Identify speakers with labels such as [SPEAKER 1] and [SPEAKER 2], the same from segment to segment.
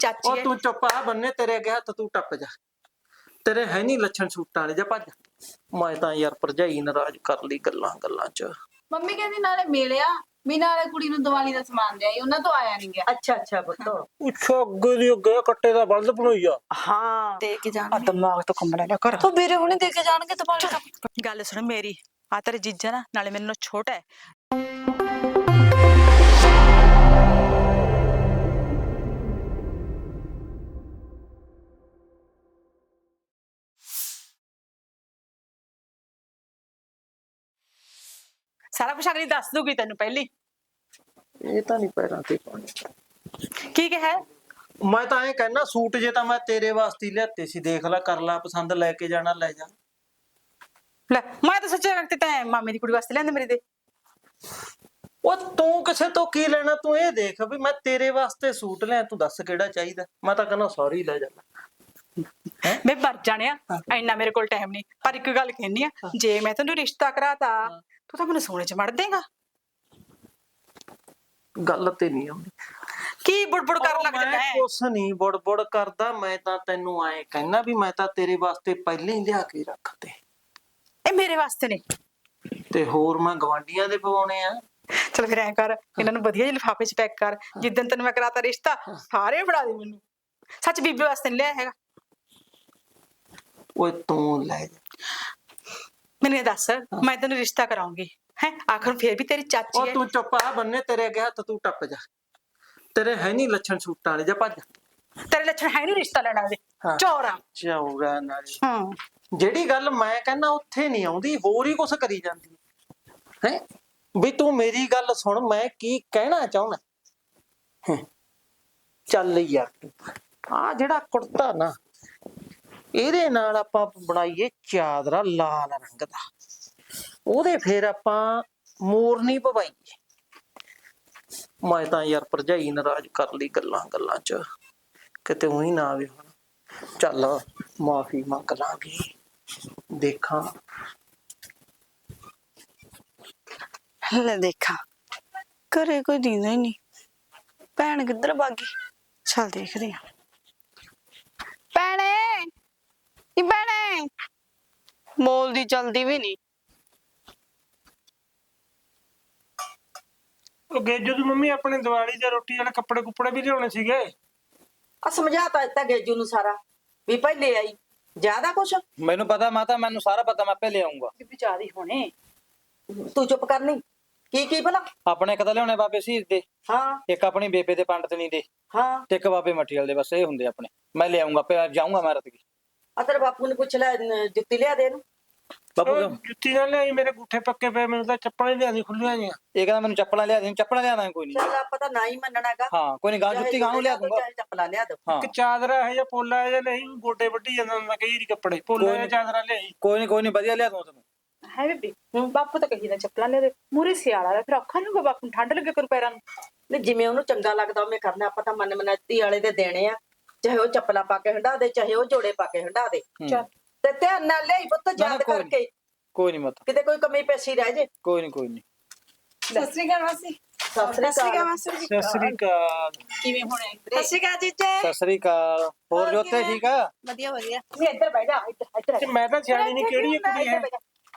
[SPEAKER 1] ਚਾਚੀ
[SPEAKER 2] ਉਹ ਤੂੰ ਚੁੱਪ ਆ ਬੰਨੇ, ਤੇਰੇ ਅੱਗੇ ਹੱਥ ਤੂੰ ਟੱਪ ਜਾ। ਤੇਰੇ ਹੈ ਨਹੀਂ ਲੱਛਣ ਸੂਟਾਂ ਵਾਲੇ, ਜਾ ਭੱਜ। ਮੈਂ ਤਾਂ ਯਾਰ ਭਰਜਾਈ ਨਾਰਾਜ਼ ਕਰ ਲਈ ਗੱਲਾਂ ਗੱਲਾਂ ਚ।
[SPEAKER 3] ਮੰਮੀ ਕਹਿੰਦੀ ਨਾਲੇ ਮਿਲਿਆ ਵੀ ਨਾਲੇ ਕੁੜੀ ਨੂੰ ਦੀਵਾਲੀ ਦਾ ਸਮਾਨ ਦੇ ਆਈ, ਉਹਨਾਂ ਤੋਂ ਆਇਆ ਨਹੀਂ ਗਿਆ।
[SPEAKER 4] ਅੱਛਾ ਅੱਛਾ ਪੁੱਤ।
[SPEAKER 2] ਅੱਛਾ ਅੱਗੇ ਦੀ ਅੱਗੇ ਕੱਟੇ ਦਾ ਬਲਦ ਬਣਾਈ ਆ।
[SPEAKER 4] ਹਾਂ
[SPEAKER 1] ਦੇ ਕੇ
[SPEAKER 4] ਆ
[SPEAKER 1] ਜਾਣਗੇ
[SPEAKER 4] ਦਿਮਾਗ ਤੋਂ ਕੰਮ ਲੈ ਲਿਆ ਕਰ।
[SPEAKER 1] ਤੂੰ ਵੀਰੇ ਹੁਣੇ ਦੇ ਕੇ ਜਾਣਗੇ ਦੀਵਾਲੀ ਦਾ। ਗੱਲ ਸੁਣ ਮੇਰੀ, ਆ ਤੇਰੇ ਜੀਜਾ ਨਾ ਨਾਲੇ ਮੈਨੂੰ ਛੋਟਾ ਹੈ। ਸਾਰਾ ਕੁਛ ਅਗਲੀ ਦੱਸ ਦੂਗੀ ਤੈਨੂੰ ਪਹਿਲੀ।
[SPEAKER 2] ਇਹ ਤਾਂ ਨਹੀਂ ਪੈਰਾਂ ਤੇ ਪਾਣੀ।
[SPEAKER 1] ਕੀ ਕਿਹਾ?
[SPEAKER 2] ਮੈਂ ਤਾਂ ਐਂ ਕਹਿਣਾ, ਸੂਟ ਜੇ ਤਾਂ ਮੈਂ ਤੇਰੇ ਵਾਸਤੇ ਹੀ ਲਿਆਤੇ ਸੀ, ਦੇਖ ਲੈ ਕਰ ਲੈ ਪਸੰਦ, ਲੈ ਕੇ ਜਾਣਾ ਲੈ ਜਾ।
[SPEAKER 1] ਲੈ ਮੈਂ ਤਾਂ ਸੱਚਿਆ ਕਿ ਤੈਂ ਮਾਮੇ ਦੀ ਕੁੜੀ ਵਾਸਤੇ ਲਿਆਂਦੇ ਮੇਰੇ ਦੇ।
[SPEAKER 2] ਉਹ ਤੂੰ ਕਿਸੇ ਤੋਂ ਕੀ ਲੈਣਾ, ਤੂੰ ਇਹ ਦੇਖ ਵੀ ਮੈਂ ਤੇਰੇ ਵਾਸਤੇ ਸੂਟ ਲਿਆ, ਤੂੰ ਦੱਸ ਕਿਹੜਾ ਚਾਹੀਦਾ। ਮੈਂ ਤਾਂ ਕਹਿੰਦਾ ਸੌਰੀ ਲੈ ਜਾ।
[SPEAKER 1] ਮੈਂ ਮਰ ਜਾਣਿਆ, ਇੰਨਾ ਮੇਰੇ ਕੋਲ ਟਾਈਮ ਨਹੀਂ। ਪਰ ਇੱਕ ਗੱਲ ਕਹਿੰਦੀ ਆ, ਜੇ ਮੈਂ ਤੈਨੂੰ ਰਿਸ਼ਤਾ ਕਰਾਤਾ ਤੂੰ ਤਾਂ ਮੈਨੂੰ ਸੋਨੇ 'ਚ ਮੜ ਦੇਗਾ।
[SPEAKER 2] ਗੱਲ ਤੇ ਨਹੀਂ ਆਉਂਦੀ।
[SPEAKER 1] ਕੀ ਬੁੜਬੁੜ ਕਰਨ ਲੱਗ ਜਾਂਦਾ
[SPEAKER 2] ਮੈਂ
[SPEAKER 1] ਹੈ?
[SPEAKER 2] ਕੁਛ ਨਹੀਂ ਬੁੜਬੁੜ ਕਰਦਾ, ਮੈਂ ਤਾਂ ਤੈਨੂੰ ਐਂ ਕਹਿਣਾ ਵੀ ਮੈਂ ਤਾਂ ਤੇਰੇ ਵਾਸਤੇ ਪਹਿਲਾਂ ਹੀ ਲਿਆ ਕੇ ਰੱਖਤੇ।
[SPEAKER 1] ਇਹ ਮੇਰੇ ਵਾਸਤੇ ਨੇ
[SPEAKER 2] ਤੇ ਹੋਰ ਮੈਂ ਗਵਾਂਢੀਆਂ ਦੇ ਪਵਾਉਣੇ ਆ।
[SPEAKER 1] ਚਲ ਫਿਰ ਐਂ ਕਰ, ਇਹਨਾਂ ਨੂੰ ਵਧੀਆ ਜਿਹੇ ਲਿਫਾਫੇ 'ਚ ਪੈਕ ਕਰ। ਜਿੱਦਣ ਤੈਨੂੰ ਮੈਂ ਕਰਾਤਾ ਰਿਸ਼ਤਾ ਸਾਰੇ ਫੜਾ ਦੇ ਮੈਨੂੰ। ਸੱਚ ਬੀਬੀ ਵਾਸਤੇ ਨਹੀਂ ਲਿਆ ਹੈਗਾ।
[SPEAKER 2] ਓਏ ਤੂੰ ਲੈ ਜਾ।
[SPEAKER 1] ਮੈਨੂੰ ਇਹ ਦੱਸ, ਮੈਂ ਤੈਨੂੰ ਰਿਸ਼ਤਾ ਕਰਾਉਂਗੀ ਹੈ, ਆਖਰ ਫੇਰ ਵੀ ਤੇਰੀ ਚਾਚੀ
[SPEAKER 2] ਉਹ
[SPEAKER 1] ਹੈ।
[SPEAKER 2] ਤੂੰ ਚੁੱਪ ਆ ਬੰਨੇ, ਤੇਰੇ ਅੱਗੇ ਹੱਥ ਤੂੰ ਟੱਪ ਜਾ। ਤੇਰੇ ਹੈ ਨਹੀਂ ਲੱਛਣ ਸੂਟਾਂ ਵਾਲੇ, ਜਾ ਭੱਜ।
[SPEAKER 1] ਤੇਰੇ ਲੱਛਣ ਹੈ ਨੀ ਰਿਸ਼ਤਾ ਲੈਣਾ ਉਹਦੇ।
[SPEAKER 2] ਹਾਂ।
[SPEAKER 1] ਚੋਰਾ।
[SPEAKER 2] ਚੌਰਾ ਨਾਲੇ
[SPEAKER 1] ਹਾਂ
[SPEAKER 2] ਜਿਹੜੀ ਗੱਲ ਮੈਂ ਕਹਿੰਦਾ ਉੱਥੇ ਨਹੀਂ ਆਉਂਦੀ, ਹੋਰ ਹੀ ਕੁਛ ਕਰੀ ਜਾਂਦੀ ਹੈ। ਵੀ ਤੂੰ ਮੇਰੀ ਗੱਲ ਸੁਣ, ਮੈਂ ਕੀ ਕਹਿਣਾ ਚਾਹੁੰਦਾ। ਚੱਲ ਯਾਰ, ਆ ਜਿਹੜਾ ਕੁੜਤਾ ਨਾ, ਇਹਦੇ ਨਾਲ ਆਪਾਂ ਬਣਾਈਏ ਚਾਦਰਾ ਲਾਲ ਰੰਗ ਦਾ, ਉਹਦੇ ਫੇਰ ਆਪਾਂ ਮੋਰਨੀ ਪਵਾਈਏ। ਮੈਂ ਤਾਂ ਯਾਰ ਭਰਜਾਈ ਨਾਰਾਜ਼ ਕਰ ਲਈ ਗੱਲਾਂ ਗੱਲਾਂ ਚ, ਕਿਤੇ ਉਹੀ ਨਾ ਆਵੇ ਹੁਣ। ਚੱਲ ਮਾਫੀ ਮੰਗ ਲਾਂਗੇ, ਦੇਖਾਂ।
[SPEAKER 1] ਲੈ ਦੇਖਾਂ, ਘਰੇ ਕੋਈ ਦਿੰਦਾ ਹੀ ਨਹੀਂ। ਭੈਣ ਕਿੱਧਰ ਭਾਗੀ? ਚੱਲ ਦੇਖਦੇ ਆ। ਭੈਣੇ ਨੀ ਭੈਣੇ, ਬੋਲਦੀ ਚਲਦੀ ਵੀ ਨਹੀਂ।
[SPEAKER 5] ਉਹ ਗੇਜੂ ਦੀ ਮੰਮੀ ਆਪਣੇ ਦੀਵਾਲੀ ਦੇ ਰੋਟੀ ਵਾਲੇ ਕੱਪੜੇ ਕੁੱਪੜੇ ਵੀ ਲਿਆਉਣੇ ਸੀਗੇ।
[SPEAKER 4] ਆ ਸਮਝਾਤਾ ਦਿੱਤਾ ਗੇਜੂ ਨੂੰ ਸਾਰਾ ਵੀ ਪਹਿਲੇ ਆਈ ਜਿਆਦਾ ਕੁਛ।
[SPEAKER 6] ਮੈਨੂੰ ਪਤਾ ਮਾਤਾ, ਮੈਨੂੰ ਸਾਰਾ ਪਤਾ, ਮੈਂ ਪਹਿਲੇ ਆਉਂਗਾ।
[SPEAKER 1] ਬੀਬੀ ਚਾਹ ਹੋਣੇ।
[SPEAKER 4] ਤੂੰ ਚੁੱਪ ਕਰਨੀ। ਕੀ ਭਲਾ?
[SPEAKER 6] ਆਪਣੇ ਇੱਕ ਤਾਂ ਲਿਆਉਣੇ ਬਾਬੇ ਸ਼ਹੀਦ ਦੇ,
[SPEAKER 4] ਹਾਂ
[SPEAKER 6] ਇੱਕ ਆਪਣੀ ਬੇਬੇ ਦੇ ਪੰਡਤਨੀ ਦੇ,
[SPEAKER 4] ਹਾਂ।
[SPEAKER 6] ਤੇ ਇੱਕ ਬਾਬੇ ਮਠੀਵਾਲ ਦੇ। ਬਸ ਇਹ ਹੁੰਦੇ ਆਪਣੇ। ਮੈਂ ਲਿਆਉਂਗਾ, ਪਿਆ ਜਾਊਂਗਾ ਮੈਂ ਰਤਗੀ।
[SPEAKER 4] ਆ ਤੇਰੇ ਬਾਪੂ ਨੂੰ ਪੁੱਛ ਲੈ, ਜੁੱਤੀ ਲਿਆ ਦੇ ਇਹਨੂੰ।
[SPEAKER 6] ਬਾਪੂ
[SPEAKER 5] ਉਹ ਜੁੱਤੀ ਨਾਲ ਲਿਆਈ, ਮੇਰੇ ਗੁੱਠੇ ਪੱਕੇ ਪਏ, ਮੈਨੂੰ ਤਾਂ ਚੱਪਲਾਂ ਹੀ ਲਿਆਂਦੀ ਖੁੱਲੀਆਂ ਜੀਆਂ।
[SPEAKER 6] ਇਹ ਕਹਿੰਦਾ ਮੈਨੂੰ ਚੱਪਲਾਂ ਲਿਆ ਦੇ। ਚੱਪਲਾਂ ਲਿਆਣਾ ਕੋਈ ਨਹੀਂ।
[SPEAKER 4] ਚੱਲ ਆਪਾਂ ਤਾਂ ਨਾ ਹੀ ਮੰਨਣਾਗਾ।
[SPEAKER 6] ਹਾਂ ਕੋਈ ਨਹੀਂ, ਗਾਂ ਜੁੱਤੀ ਗਾਂ ਨੂੰ ਲਿਆ ਦੂੰਗਾ।
[SPEAKER 4] ਚਾਹੇ ਚੱਪਲਾਂ ਲਿਆ ਦੋ।
[SPEAKER 6] ਹਾਂ
[SPEAKER 5] ਇੱਕ ਚਾਦਰਾ ਇਹ ਜਿਹਾ ਪੋਲਾ ਜਿਹਾ ਨਹੀਂ, ਗੋਡੇ ਵੱਢੀ ਜਾਂਦਾ ਹੁੰਦਾ ਕਈ ਵਾਰੀ ਕੱਪੜੇ। ਪੋਲਾ ਜਿਹਾ ਚਾਦਰਾ ਲਿਆਈ।
[SPEAKER 6] ਕੋਈ ਨਹੀਂ ਵਧੀਆ ਲਿਆ ਦੂੰ ਤੈਨੂੰ।
[SPEAKER 1] ਹੈ ਬੀਬੀ, ਬਾਪੂ ਤਾਂ ਕਹੀ ਨਾ ਚੱਪਲਾਂ ਲੈ ਦੇ। ਮੂਰੇ ਸਿਆਲਾ ਦਾ ਫਿਰ ਔਖਾ ਨੀ ਹੋਊਗਾ ਬਾਪੂ ਨੂੰ, ਠੰਡ ਲੱਗੇ ਕਰੂ ਪੈਰਾਂ ਨੂੰ।
[SPEAKER 4] ਨਹੀਂ ਜਿਵੇਂ ਉਹਨੂੰ ਚੰਗਾ ਲੱਗਦਾ ਉਵੇਂ ਕਰਨਾ। ਆਪਾਂ ਤਾਂ ਮਨ ਮਨਤੀ ਵਾਲੇ ਦੇ ਦੇਣੇ ਆ, ਚਾਹੇ ਉਹ ਚੱਪਲਾਂ ਪਾ ਕੇ ਹੰਡਾ ਦੇ, ਚਾਹੇ ਉਹ ਜੋੜੇ ਪਾ ਕੇ ਹੰਡਾ ਦੇ।
[SPEAKER 1] ਚੱਲ
[SPEAKER 4] ਤੇ ਧਿਆਨ ਨਾਲ ਲਿਆਈ ਪੁੱਤ, ਯਾਦ ਕਰਕੇ,
[SPEAKER 6] ਕੋਈ ਨਹੀਂ ਮਾਤਾ,
[SPEAKER 4] ਕਿਤੇ ਕੋਈ ਕਮੀ ਪੇਸ਼ੀ ਰਹਿ ਜੇ।
[SPEAKER 6] ਕੋਈ ਨਹੀਂ।
[SPEAKER 3] ਸਤਿ ਸ੍ਰੀ ਅਕਾਲ ਮਾਸੀ।
[SPEAKER 4] ਸਤਿ ਸ੍ਰੀ ਅਕਾਲ।
[SPEAKER 3] ਮਾਸੀ
[SPEAKER 5] ਸਤਿ ਸ੍ਰੀ ਅਕਾਲ।
[SPEAKER 3] ਕਿਵੇਂ ਹੋਣੇ?
[SPEAKER 1] ਸਤਿ ਸ਼੍ਰੀ ਅਕਾਲ ਜੀਜੇ।
[SPEAKER 6] ਸਤਿ ਸ੍ਰੀ ਅਕਾਲ। ਹੋਰ ਜੋਤੇ ਠੀਕ ਆ?
[SPEAKER 3] ਵਧੀਆ ਵਧੀਆ।
[SPEAKER 1] ਵੀ ਇੱਧਰ ਬਹਿ ਜਾ, ਇੱਧਰ
[SPEAKER 5] ਤੇ ਮੈਂ ਤਾਂ ਸਿਆਣੀ ਨਹੀਂ, ਕਿਹੜੀ ਇੱਕ ਕੁੜੀ ਹੈ?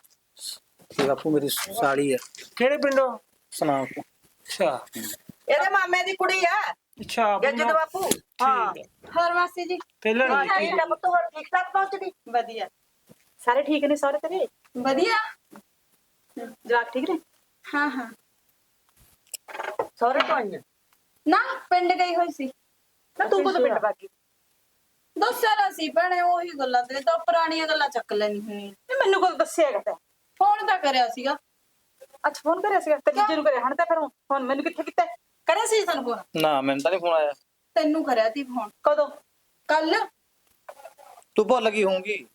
[SPEAKER 6] ਇਹ ਬਾਪੂ ਮੇਰੀ ਸਾਲੀ ਆ,
[SPEAKER 5] ਕਿਹੜੇ ਪਿੰਡੋਂ?
[SPEAKER 6] ਸੁਣਾ ਤੂੰ।
[SPEAKER 5] ਅੱਛਾ
[SPEAKER 4] ਇਹਦੇ ਮਾਮੇ ਦੀ ਕੁੜੀ ਆ
[SPEAKER 5] ਅੱਛਾ।
[SPEAKER 4] ਗੇਜੂ ਦੇ ਬਾਪੂ। ਹਾਂ
[SPEAKER 3] ਹੋਰ ਮਾਸੀ ਜੀ?
[SPEAKER 5] ਪਹਿਲਾਂ
[SPEAKER 4] ਹਾਂ,
[SPEAKER 5] ਨਹੀਂ
[SPEAKER 4] ਠੀਕ ਆ ਪੁੱਤ, ਹੋਰ ਠੀਕ ਠਾਕ ਪਹੁੰਚ ਗਈ?
[SPEAKER 3] ਵਧੀਆ
[SPEAKER 1] ਸਾਰੇ ਠੀਕ ਨੇ? ਸਾਰੇ ਤੇਰੇ
[SPEAKER 3] ਵਧੀਆ।
[SPEAKER 1] ਜਵਾਕ ਠੀਕ ਨੇ?
[SPEAKER 3] ਹਾਂ ਹਾਂ।
[SPEAKER 4] ਸਹੁਰੇ ਤੋਂ ਆਈਆਂ?
[SPEAKER 3] ਨਾ ਪਿੰਡ ਗਈ ਹੋਈ ਸੀ।
[SPEAKER 1] ਨਾ ਤੂੰ ਕਦੋਂ ਪਿੰਡ ਭਾਗੀ?
[SPEAKER 3] ਦੱਸਿਆ ਸੀ ਭੈਣੇ, ਉਹੀ ਗੱਲਾਂ ਤੇ ਤਾਂ ਪੁਰਾਣੀਆਂ ਗੱਲਾਂ ਚੱਕ ਲੈਣੀ ਹੁੰਦੀ।
[SPEAKER 1] ਮੈਨੂੰ ਕਦੋਂ ਦੱਸਿਆ ਹੈਗਾ ਤੈਂ?
[SPEAKER 3] ਫੋਨ ਤਾਂ ਕਰਿਆ ਸੀਗਾ।
[SPEAKER 1] ਅੱਛਾ ਫੋਨ ਕਰਿਆ ਸੀਗਾ ਤੇ ਜੀਜੇ ਨੂੰ ਕਰਿਆ? ਹਣ ਤਾਂ ਫਿਰ ਫੋਨ ਮੈਨੂੰ ਕਿੱਥੇ ਕੀਤਾ?
[SPEAKER 3] ਕਰਿਆ ਸੀ ਤੁਹਾਨੂੰ ਫੋਨ?
[SPEAKER 6] ਨਾ ਮੈਨੂੰ ਤਾਂ ਨਹੀਂ ਫੋਨ ਆਇਆ।
[SPEAKER 3] ਤੈਨੂੰ ਕਰਿਆ ਸੀ ਫੋਨ
[SPEAKER 1] ਕਦੋਂ?
[SPEAKER 3] ਕੱਲ।
[SPEAKER 6] ਤੂੰ ਭੁੱਲ ਗਈ ਹੋਊਗੀ।